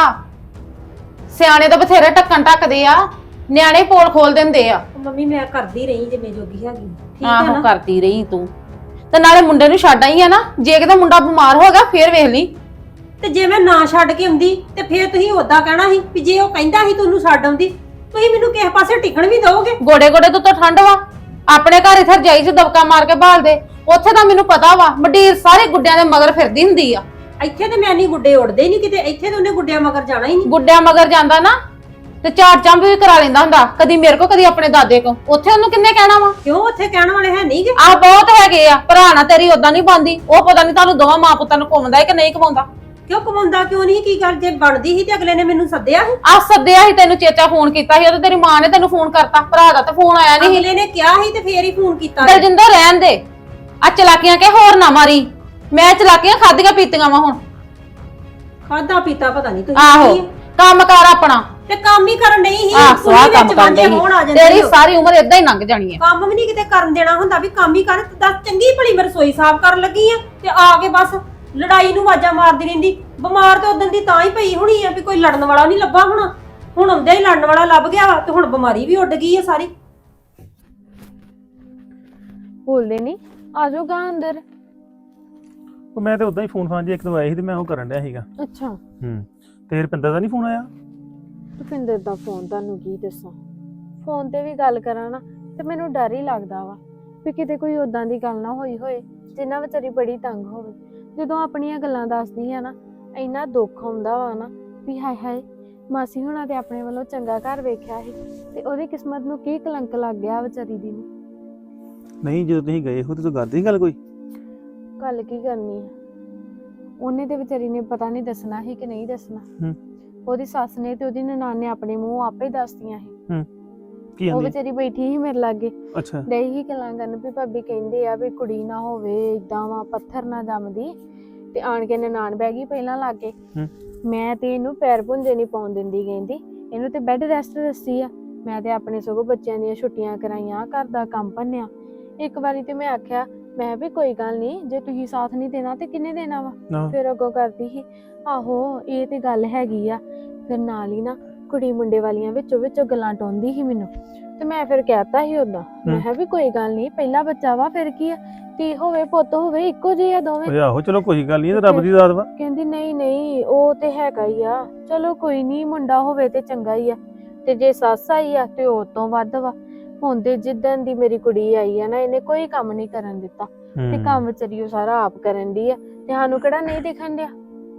A: ਸਿਆਣੇ ਤਾਂ ਬਥੇਰੇ ਢੱਕਣ ਢੱਕਦੇ ਆ, ਨਿਆਣੇ ਪੋਲ ਖੋਲ ਦਿੰਦੇ ਆ।
B: ਉਹ ਮੰਮੀ ਮੈਂ ਕਰਦੀ ਰਹੀ ਜਿਵੇਂ ਜੋਗੀ ਹੈਗੀ, ਠੀਕ ਆ
A: ਆਹੋ
B: ਨਾ?
A: ਕਰਦੀ ਰਹੀ ਤੂੰ। ਤੇ ਨਾਲੇ ਮੁੰਡੇ ਨੂੰ ਛੱਡ ਆਈ ਆ ਨਾ, ਜੇ ਕਿਤੇ ਮੁੰਡਾ ਬਿਮਾਰ ਹੋ ਗਿਆ ਫੇਰ ਵੇਖ ਲਈ।
B: ਤੇ ਜੇ ਮੈਂ ਨਾ ਛੱਡ ਕੇ ਆਉਂਦੀ ਤੇ ਫੇਰ ਤੁਸੀਂ ਉਦਾਂ ਕਹਿਣਾ ਸੀ ਵੀ ਜੇ ਉਹ ਕਹਿੰਦਾ ਸੀ ਤੁਹਾਨੂੰ ਛੱਡ ਆਉਂਦੀ। ਤੁਸੀਂ ਮੈਨੂੰ ਕਿਸੇ ਪਾਸੇ ਟਿਕਣ ਵੀ ਦਿਓਗੇ?
A: ਗੋੜੇ ਗੋੜੇ ਤੋਂ ਤਾਂ ਠੰਡ ਵਾ। ਆਪਣੇ ਘਰ ਇੱਥੇ ਰਜਾਈ 'ਚ ਦਬਕਾ ਮਾਰ ਕੇ ਭਾਲ ਦੇ। ਉੱਥੇ ਤਾਂ ਮੈਨੂੰ ਪਤਾ ਵਾ ਮੰਡੀਰ ਸਾਰੇ ਗੁੱਡਿਆਂ ਦੇ ਮਗਰ ਫਿਰਦੀ ਹੁੰਦੀ ਆ।
B: ਇੱਥੇ ਤੇ ਮੈਂ ਨਹੀਂ ਗੁੱਡੇ ਉੜਦੇ ਹੀ ਨਹੀਂ ਕਿਤੇ। ਇੱਥੇ ਤੇ ਉਹਨੇ ਗੁੱਡਿਆਂ ਮਗਰ ਜਾਣਾ ਹੀ ਨਹੀਂ।
A: ਗੁੱਡਿਆਂ ਮਗਰ ਜਾਂਦਾ ਨਾ ਤੇ ਚਾਰ ਚੰਬ ਵੀ ਕਰਾ ਲੈਂਦਾ ਹੁੰਦਾ, ਕਦੀ ਮੇਰੇ ਕੋ ਕਦੀ ਆਪਣੇ ਦਾਦੇ ਕੋ। ਉੱਥੇ ਉਹਨੂੰ ਕਿੰਨੇ ਕਹਿਣਾ ਵਾ?
B: ਕਿਉਂ ਉੱਥੇ ਕਹਿਣ ਵਾਲੇ ਹੈ ਨਹੀਂਗੇ?
A: ਆਹ ਬਹੁਤ ਹੈਗੇ ਆ। ਭਰਾ ਨਾ ਤੇਰੀ ਓਦਾਂ ਨਹੀਂ ਬੰਦੀ। ਉਹ ਪਤਾ ਨਹੀਂ ਤੁਹਾਨੂੰ ਦੋਵਾਂ ਮਾਂ ਪੁੱਤਾਂ ਨੂੰ ਘੁੰਮਦਾ ਹੈ ਕਿ ਨਹੀਂ ਘੁਮਾਉਂਦਾ।
B: ਕਿਉਂ ਕਮਾਉਂਦਾ ਕਿਉਂ ਨਹੀਂ? ਕੀ ਗੱਲ ਜੇ ਬਣਦੀ ਸੀ ਤੇ ਅਗਲੇ ਨੇ ਮੈਨੂੰ ਸੱਦਿਆ ਸੀ।
A: ਆ ਸੱਦਿਆ ਸੀ ਤੈਨੂੰ, ਚੇਚਾ ਫੋਨ ਕੀਤਾ ਸੀ। ਉਹ ਤੇ ਤੇਰੀ ਮਾਂ ਨੇ ਤੈਨੂੰ ਫੋਨ ਕਰਤਾ। ਭਰਾ ਦਾ ਤਾਂ ਫੋਨ ਆਇਆ ਨਹੀਂ।
B: ਅਗਲੇ ਨੇ ਕਿਹਾ ਸੀ ਤੇ ਫੇਰ ਹੀ ਫੋਨ ਕੀਤਾ।
A: ਦਲਜਿੰਦਰ ਰਹਿਣ ਦੇ ਆ ਚਲਾਕੀਆਂ ਕੇ, ਹੋਰ ਨਾ ਮਾਰੀ। ਮੈਂ ਚਲਾਕੀਆਂ ਖਾਧੀਆਂ ਪੀਤੀਆਂ ਵਾ ਹੁਣ।
B: ਖਾਦਾ ਪੀਤਾ ਪਤਾ ਨਹੀਂ ਤੁਸੀਂ
A: ਆਹੋ
B: ਕੀ ਆ।
A: ਕੰਮ ਕਰ ਆਪਣਾ।
B: ਤੇ ਕੰਮ ਹੀ ਕਰਨ ਨਹੀਂ ਸੀ।
A: ਆਹ
B: ਕੁੜੀ
A: ਸਵਾਹ ਕੰਮ
B: ਵਿੱਚ
A: ਕਰਦੇ
B: ਵਾਂਝੇ ਹੋਣ ਆ
A: ਸੀ।
B: ਜਾਂਦੇ
A: ਤੇਰੀ
B: ਹੋ।
A: ਸਾਰੀ ਉਮਰ ਏਦਾਂ ਹੀ ਲੰਘ ਜਾਣੀ ਹੈ।
B: ਕੰਮ ਵੀ ਨਹੀਂ ਕਿਤੇ ਕਰਨ ਦੇਣਾ ਹੁੰਦਾ ਵੀ ਕੰਮ ਹੀ ਕਰ। ਤੇ ਦੱਸ ਚੰਗੀ ਭਲੀ ਮੈਂ ਰਸੋਈ ਸਾਫ਼ ਕਰਨ ਲੱਗੀ ਆ ਤੇ ਆ ਕੇ ਬਸ ਲੜਾਈ ਨੂੰ ਆਵਾਜ਼ਾਂ ਮਾਰਦੀ ਰਹਿੰਦੀ। ਬਿਮਾਰ ਤੇ ਉਦੋਂ ਦੀ ਤਾਂ ਹੀ ਪਈ ਹੋਣੀ ਆ ਵੀ ਕੋਈ ਲੜਨ ਵਾਲਾ ਨਹੀਂ ਲੱਭਾ ਹੋਣਾ। ਹੁਣ ਆਉਂਦੇ ਹੀ ਲੜਨ ਵਾਲਾ ਲੱਭ ਗਿਆ ਵਾ ਤੇ ਹੁਣ ਬਿਮਾਰੀ ਵੀ ਉੱਡ ਗਈ ਆ ਸਾਰੀ।
C: ਬੋਲਦੇ ਨਹੀਂ ਆ ਜਾਓ ਗਾ ਅੰਦਰ।
H: ਉਹ ਮੈਂ ਤੇ ਉਦਾਂ ਹੀ ਫੋਨ ਫਾਨ ਜੇ ਇੱਕ ਦੋ ਆਏ ਸੀ ਤੇ ਮੈਂ ਉਹ ਕਰਨ ਡਿਆ ਸੀਗਾ।
C: ਅੱਛਾ
H: ਹੂੰ ਤੇ ਰੁਪਿੰਦਰ ਦਾ ਨਹੀਂ ਫੋਨ ਆਇਆ?
C: ਭੁਪਿੰਦਰ ਦਾ ਫੋਨ ਤੁਹਾਨੂੰ ਕੀ ਦੱਸਾਂ। ਫੋਨ ਤੇ ਵੀ ਗੱਲ ਕਰਾਂ ਨਾ ਤੇ ਮੈਨੂੰ ਡਰ ਹੀ ਲੱਗਦਾ ਵਾ ਵੀ ਕਿਤੇ ਕੋਈ ਉਦਾਂ ਦੀ ਗੱਲ ਨਾ ਹੋਈ ਹੋਏ ਜਿੰਨਾ ਵਿਚਾਰੀ ਬੜੀ ਤੰਗ ਹੋਵੇ। ਜਦੋਂ ਆਪਣੀਆਂ ਗੱਲਾਂ ਦੱਸਦੀ ਆ ਨਾ ਇੰਨਾ ਦੁੱਖ ਆਉਂਦਾ ਵਾ ਨਾ ਵੀ ਹਾਏ ਹਾਏ ਮਾਸੀ ਹੁਣਾਂ ਤੇ ਆਪਣੇ ਵੱਲੋਂ ਚੰਗਾ ਘਰ ਵੇਖਿਆ ਸੀ ਤੇ ਉਹਦੀ ਕਿਸਮਤ ਨੂੰ ਕੀ ਕਲੰਕ ਲੱਗ ਗਿਆ ਵਿਚਾਰੀ ਦੀ ਨੂੰ।
H: ਨਹੀਂ ਜਦੋਂ ਤੁਸੀਂ ਗਏ ਹੋ ਤੇ ਤੂੰ ਕਰਦੇ ਨਹੀਂ ਗੱਲ ਕੋਈ?
C: ਗੱਲ ਕੀ ਕਰਨੀ ਆ, ਉਹਨੇ ਤੇ ਵਿਚਾਰੀ ਨੇ ਪਤਾ ਨਹੀਂ ਦੱਸਣਾ ਸੀ ਕਿ ਨਹੀਂ ਦੱਸਣਾ।
H: ਹੂੰ।
C: ਉਹਦੀ ਸੱਸ ਨੇ ਤੇ ਉਹਦੀ ਨਨਾਣ ਨੇ ਆਪਣੇ ਮੂੰਹ ਆਪੇ ਹੀ ਦੱਸਦੀਆਂ ਸੀ।
H: ਹੂੰ। ਕੀ
C: ਉਹ
H: ਆਂਦੀ?
C: ਵਿਚਾਰੀ ਬੈਠੀ ਸੀ ਮੇਰੇ ਲਾਗੇ,
H: ਅੱਛਾ।
C: ਡਈ ਹੀ ਗੱਲਾਂ ਕਰਨ ਵੀ ਭਾਬੀ ਕਹਿੰਦੇ ਆ ਵੀ ਕੁੜੀ ਨਾ ਹੋਵੇ ਇਦਾਂ ਵਾ ਪੱਥਰ ਨਾ ਜੰਮਦੀ, ਤੇ ਆਣ ਕੇ ਨਨਾਣ ਬਹਿ ਗਈ ਪਹਿਲਾਂ ਲਾਗੇ।
H: ਹੂੰ।
C: ਮੈਂ ਤੇ ਇਹਨੂੰ ਪੈਰ ਪੁੰਜੇ ਨਹੀਂ ਪਾਉਣ ਦਿੰਦੀ, ਕਹਿੰਦੀ ਇਹਨੂੰ ਤੇ ਬੈੱਡ ਰੈਸਟ ਦੱਸੀ ਆ। ਮੈਂ ਤੇ ਆਪਣੇ ਸਗੋਂ ਬੱਚਿਆਂ ਦੀਆਂ ਛੁੱਟੀਆਂ ਕਰਾਈਆਂ, ਘਰ ਦਾ ਕੰਮ ਭੰਨਿਆ। ਇੱਕ ਵਾਰੀ ਤੇ ਮੈਂ ਆਖਿਆ ਮੈਂ ਵੀ ਕੋਈ ਗੱਲ ਨਹੀਂ, ਜੇ ਤੁਸੀਂ ਸਾਥ ਨਹੀਂ ਦੇਣਾ ਤੇ ਕਿਹਨੇ ਦੇਣਾ ਵਾ।
H: ਆਹ।
C: ਫਿਰ ਅੱਗੋਂ ਕਰਦੀ ਸੀ ਆਹੋ ਇਹ ਤੇ ਗੱਲ ਹੈਗੀ ਆ। ਫਿਰ ਨਾਲ ਹੀ ਨਾ ਕੁੜੀ ਮੁੰਡੇ ਵਾਲੀਆਂ ਵਿੱਚੋਂ ਵਿੱਚੋਂ ਗੱਲਾਂ ਟਾਉਂਦੀ ਸੀ ਮੈਨੂੰ, ਤੇ ਮੈਂ ਫਿਰ ਕਹਿਤਾ ਸੀ ਉਦਾਂ, ਮੈਂ ਕਿਹਾ ਵੀ ਕੋਈ ਗੱਲ ਨਹੀਂ ਪਹਿਲਾ ਬੱਚਾ ਵਾ ਫਿਰ ਕੀ ਆ, ਧੀ ਹੋਵੇ ਪੁੱਤ ਹੋਵੇ ਇੱਕੋ ਜਿਹੇ ਆ ਦੋਵੇਂ।
H: ਓਏ ਆਹੋ ਚਲੋ ਕੋਈ ਗੱਲ ਨਹੀਂ, ਇਹ ਤਾਂ ਰੱਬ ਦੀ ਦਾਤ ਵਾ।
C: ਕਹਿੰਦੀ ਨਹੀਂ ਨਹੀਂ ਉਹ ਤੇ ਹੈਗਾ ਹੀ ਆ, ਚਲੋ ਕੋਈ ਨਹੀਂ ਮੁੰਡਾ ਹੋਵੇ ਤੇ ਚੰਗਾ ਹੀ ਆ, ਤੇ ਜੇ ਸੱਸ ਆਈ ਆ ਤੇ ਉਹ ਤੋਂ ਵੱਧ ਵਾ। ਹੁਣ ਤੇ ਜਿੱਦਣ ਦੀ ਮੇਰੀ ਕੁੜੀ ਆਈ ਆ ਨਾ ਇਹਨੇ ਕੋਈ ਕੰਮ ਨਹੀਂ ਕਰਨ ਦਿੱਤਾ, ਤੇ ਕੰਮ ਵਿਚਾਰੀ ਉਹ ਸਾਰਾ ਆਪ ਕਰਨ ਦੀ ਆ, ਤੇ ਸਾਨੂੰ ਕਿਹੜਾ ਨਹੀਂ ਦਿਖਣ ਡਿਆ।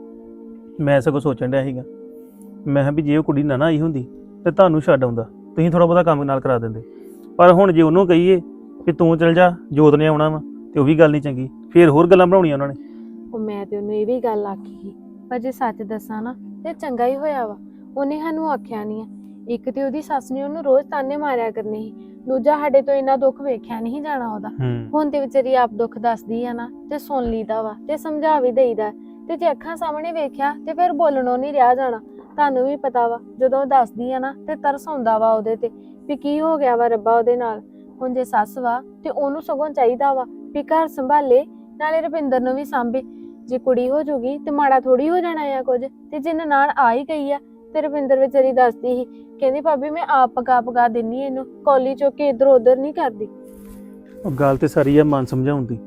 H: ਮੈਂ ਸਗੋਂ ਸੋਚਣ ਡਿਆ ਸੀਗਾ, ਮੈਂ ਕਿਹਾ ਵੀ ਜੇ ਉਹ ਕੁੜੀ ਨਾ ਨਾ ਆਈ ਹੁੰਦੀ ਤੇ ਤੁਹਾਨੂੰ ਛੱਡ ਆਉਂਦਾ, ਤੁਸੀਂ ਥੋੜਾ ਬਹੁਤਾ ਕੰਮ ਨਾਲ ਕਰਾ ਦਿੰਦੇ। ਪਰ ਹੁਣ ਜੇ ਉਹਨੂੰ ਕਹੀਏ ਕਿ ਤੂੰ ਚਲ ਜਾ ਜੋਤ ਨੇ ਆਉਣਾ ਵਾ, ਤੇ ਉਹ ਵੀ ਗੱਲ ਨਹੀਂ ਚੰਗੀ, ਫੇਰ ਹੋਰ ਗੱਲਾਂ ਬਣਾਉਣੀਆਂ ਉਹਨਾਂ ਨੇ।
C: ਉਹ ਮੈਂ ਤੇ ਉਹਨੂੰ ਇਹ ਵੀ ਗੱਲ ਆਖੀ ਸੀ, ਪਰ ਜੇ ਸੱਚ ਦੱਸਾਂ ਨਾ ਤੇ ਚੰਗਾ ਹੀ ਹੋਇਆ ਵਾ, ਉਹਨੇ ਸਾਨੂੰ ਆਖਿਆ ਨਹੀਂ ਆ। ਇੱਕ ਤੇ ਉਹਦੀ ਸੱਸ ਨੇ ਉਹਨੂੰ ਰੋਜ਼ ਤਾਨੇ ਮਾਰਿਆ ਕਰਨੇ ਸੀ, ਦੂਜਾ ਸਾਡੇ ਤੋਂ ਇੰਨਾ ਦੁੱਖ ਵੇਖਿਆ ਨਹੀਂ ਜਾਣਾ ਉਹਦਾ। ਹੁਣ ਤੇ ਵਿਚਾਰੀ ਆਪ ਦੁੱਖ ਦੱਸਦੀ ਆ ਨਾ ਤੇ ਸੁਣ ਲਈਦਾ ਵਾ ਤੇ ਸਮਝਾ ਵੀ ਦੇਈਦਾ, ਤੇ ਜੇ ਅੱਖਾਂ ਸਾਹਮਣੇ ਵੇਖਿਆ ਤੇ ਫਿਰ ਬੋਲਣੋਂ ਨਹੀਂ ਰਿਹਾ ਜਾਣਾ। ਤੁਹਾਨੂੰ ਵੀ ਪਤਾ ਵਾ ਜਦੋਂ ਦੱਸਦੀ ਆ ਨਾ ਤੇ ਤਰਸ ਆਉਂਦਾ ਵਾ ਉਹਦੇ ਤੇ ਵੀ ਕੀ ਹੋ ਗਿਆ ਵਾ ਰੱਬਾ ਉਹਦੇ ਨਾਲ। ਹੁਣ ਜੇ ਸੱਸ ਵਾ ਤੇ ਉਹਨੂੰ ਸਗੋਂ ਚਾਹੀਦਾ ਵਾ ਵੀ ਘਰ ਸੰਭਾਲੇ, ਨਾਲੇ ਰੁਪਿੰਦਰ ਨੂੰ ਵੀ ਸਾਂਭੇ। ਜੇ ਕੁੜੀ ਹੋ ਜੂਗੀ ਤੇ ਮਾੜਾ ਥੋੜੀ ਹੋ ਜਾਣਾ ਆ ਕੁਝ। ਤੇ ਜੇ ਨਨਾਣ ਆ ਹੀ ਗਈ ਆ ਤੇ ਰੁਪਿੰਦਰ ਵਿਚਾਰੀ ਦੱਸਦੀ ਸੀ, ਕਹਿੰਦੀ ਭਾਬੀ ਮੈਂ ਆਪ ਪਕਾ ਪਕਾ ਦਿੰਨੀ ਇਹਨੂੰ, ਕੌਲੀ ਚੁੱਕ ਕੇ ਇੱਧਰ ਉੱਧਰ ਨਹੀਂ ਕਰਦੀ।
H: ਉਹ ਗੱਲ ਤੇ ਸਾਰੀ ਆ ਮਨ ਸਮਝਾਉਣ ਦੀ।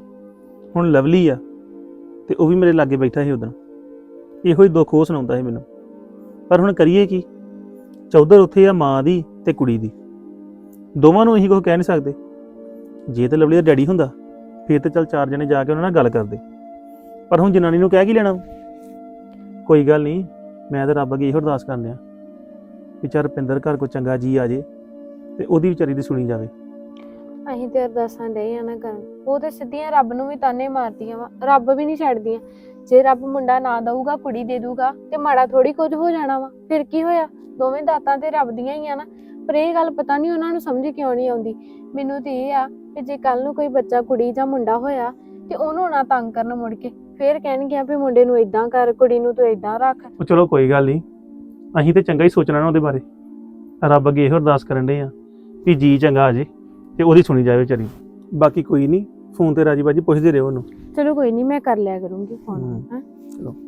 H: ਹੁਣ ਲਵਲੀ ਆ ਤੇ ਉਹ ਵੀ ਮੇਰੇ ਲਾਗੇ ਬੈਠਾ ਸੀ ਉਦੋਂ, ਇਹੋ ਹੀ ਦੁੱਖ ਉਹ ਸੁਣਾਉਂਦਾ ਸੀ ਮੈਨੂੰ। ਪਰ ਹੁਣ ਕਰੀਏ ਕੀ, ਚੌਧਰ ਉੱਥੇ ਆ ਮਾਂ ਦੀ ਤੇ ਕੁੜੀ ਦੀ, ਦੋਵਾਂ ਨੂੰ ਅਸੀਂ ਕੁਝ ਕਹਿ ਨਹੀਂ ਸਕਦੇ। ਜੇ ਤੇ ਲਵਲੀ ਦਾ ਡੈਡੀ ਹੁੰਦਾ ਫਿਰ ਤੇ ਚੱਲ ਚਾਰ ਜਣੇ ਜਾ ਕੇ ਉਹਨਾਂ ਨਾਲ ਗੱਲ ਕਰਦੇ, ਪਰ ਹੁਣ ਜਨਾਨੀ ਨੂੰ ਕਹਿ ਕੀ ਲੈਣਾ। ਕੋਈ ਗੱਲ ਨਹੀਂ, ਮੈਂ ਤਾਂ ਰੱਬ ਅੱਗੇ ਇਹੋ ਅਰਦਾਸ ਕਰਨ ਡਿਆ ਵੀ ਚੱਲ ਰੁਪਿੰਦਰ ਘਰ ਕੋਈ ਚੰਗਾ ਜੀ ਆ ਜੇ ਤੇ ਉਹਦੀ ਵਿਚਾਰੀ ਦੀ ਸੁਣੀ ਜਾਵੇ।
C: ਅਸੀਂ ਤੇ ਅਰਦਾਸਾਂ ਡੇ ਆ ਨਾ ਕਰਨ, ਉਹ ਤੇ ਸਿੱਧੀਆਂ ਰੱਬ ਨੂੰ ਵੀ ਤਾਨੇ ਮਾਰਦੀਆਂ ਵਾ, ਰੱਬ ਵੀ ਨਹੀਂ ਛੱਡਦੀਆਂ। ਜੇ ਰੱਬ ਮੁੰਡਾ ਨਾ ਦਊਗਾ ਕੁੜੀ ਦੇ ਦੂਗਾ ਤੇ ਮਾੜਾ ਥੋੜੀ ਕੁਝ ਹੋ ਜਾਣਾ ਵਾ, ਫਿਰ ਕੀ ਹੋਇਆ, ਦੋਵੇਂ ਦਾਤਾਂ ਤੇ ਰੱਬ ਦੀਆਂ ਹੀ ਆ ਨਾ। ਪਰ ਇਹ ਗੱਲ ਪਤਾ ਨਹੀਂ ਉਹਨਾਂ ਨੂੰ ਸਮਝ ਕਿਉਂ ਨਹੀਂ ਆਉਂਦੀ। ਮੈਨੂੰ ਤੇ ਇਹ ਆ ਕਿ ਜੇ ਕੱਲ ਨੂੰ ਕੋਈ ਬੱਚਾ ਕੁੜੀ ਜਾਂ ਮੁੰਡਾ ਹੋਇਆ ਤੇ ਉਹਨੂੰ ਨਾ ਤੰਗ ਕਰਨ ਮੁੜ ਕੇ, ਫੇਰ ਕਹਿਣਗੇ ਵੀ ਮੁੰਡੇ ਨੂੰ ਇਦਾਂ ਕਰ, ਕੁੜੀ ਨੂੰ ਤੂੰ ਇਦਾਂ ਰੱਖ।
H: ਉਹ ਚਲੋ ਕੋਈ ਗੱਲ ਨਹੀਂ, ਅਸੀਂ ਤੇ ਚੰਗਾ ਹੀ ਸੋਚਣਾ ਨਾ ਉਹਦੇ ਬਾਰੇ। ਰੱਬ ਅੱਗੇ ਇਹੋ ਅਰਦਾਸ ਕਰਨ ਡੇ ਆ ਵੀ ਜੀ ਚੰਗਾ ਆ ਜੇ ਤੇ ਉਹਦੀ ਸੁਣੀ ਜਾਵੇ ਵਿਚਾਰੀ। ਬਾਕੀ ਕੋਈ ਨਹੀਂ, ਫੋਨ ਤੇ ਰਾਜੀ ਬਾਜੀ ਪੁੱਛਦੇ ਰਹੋ ਉਹਨੂੰ।
C: ਚਲੋ ਕੋਈ ਨਹੀਂ, ਮੈਂ ਕਰ ਲਿਆ ਕਰੂੰਗੀ ਫੋਨ।
H: ਹਮ।
C: ਹਾਂ
H: ਚਲੋ।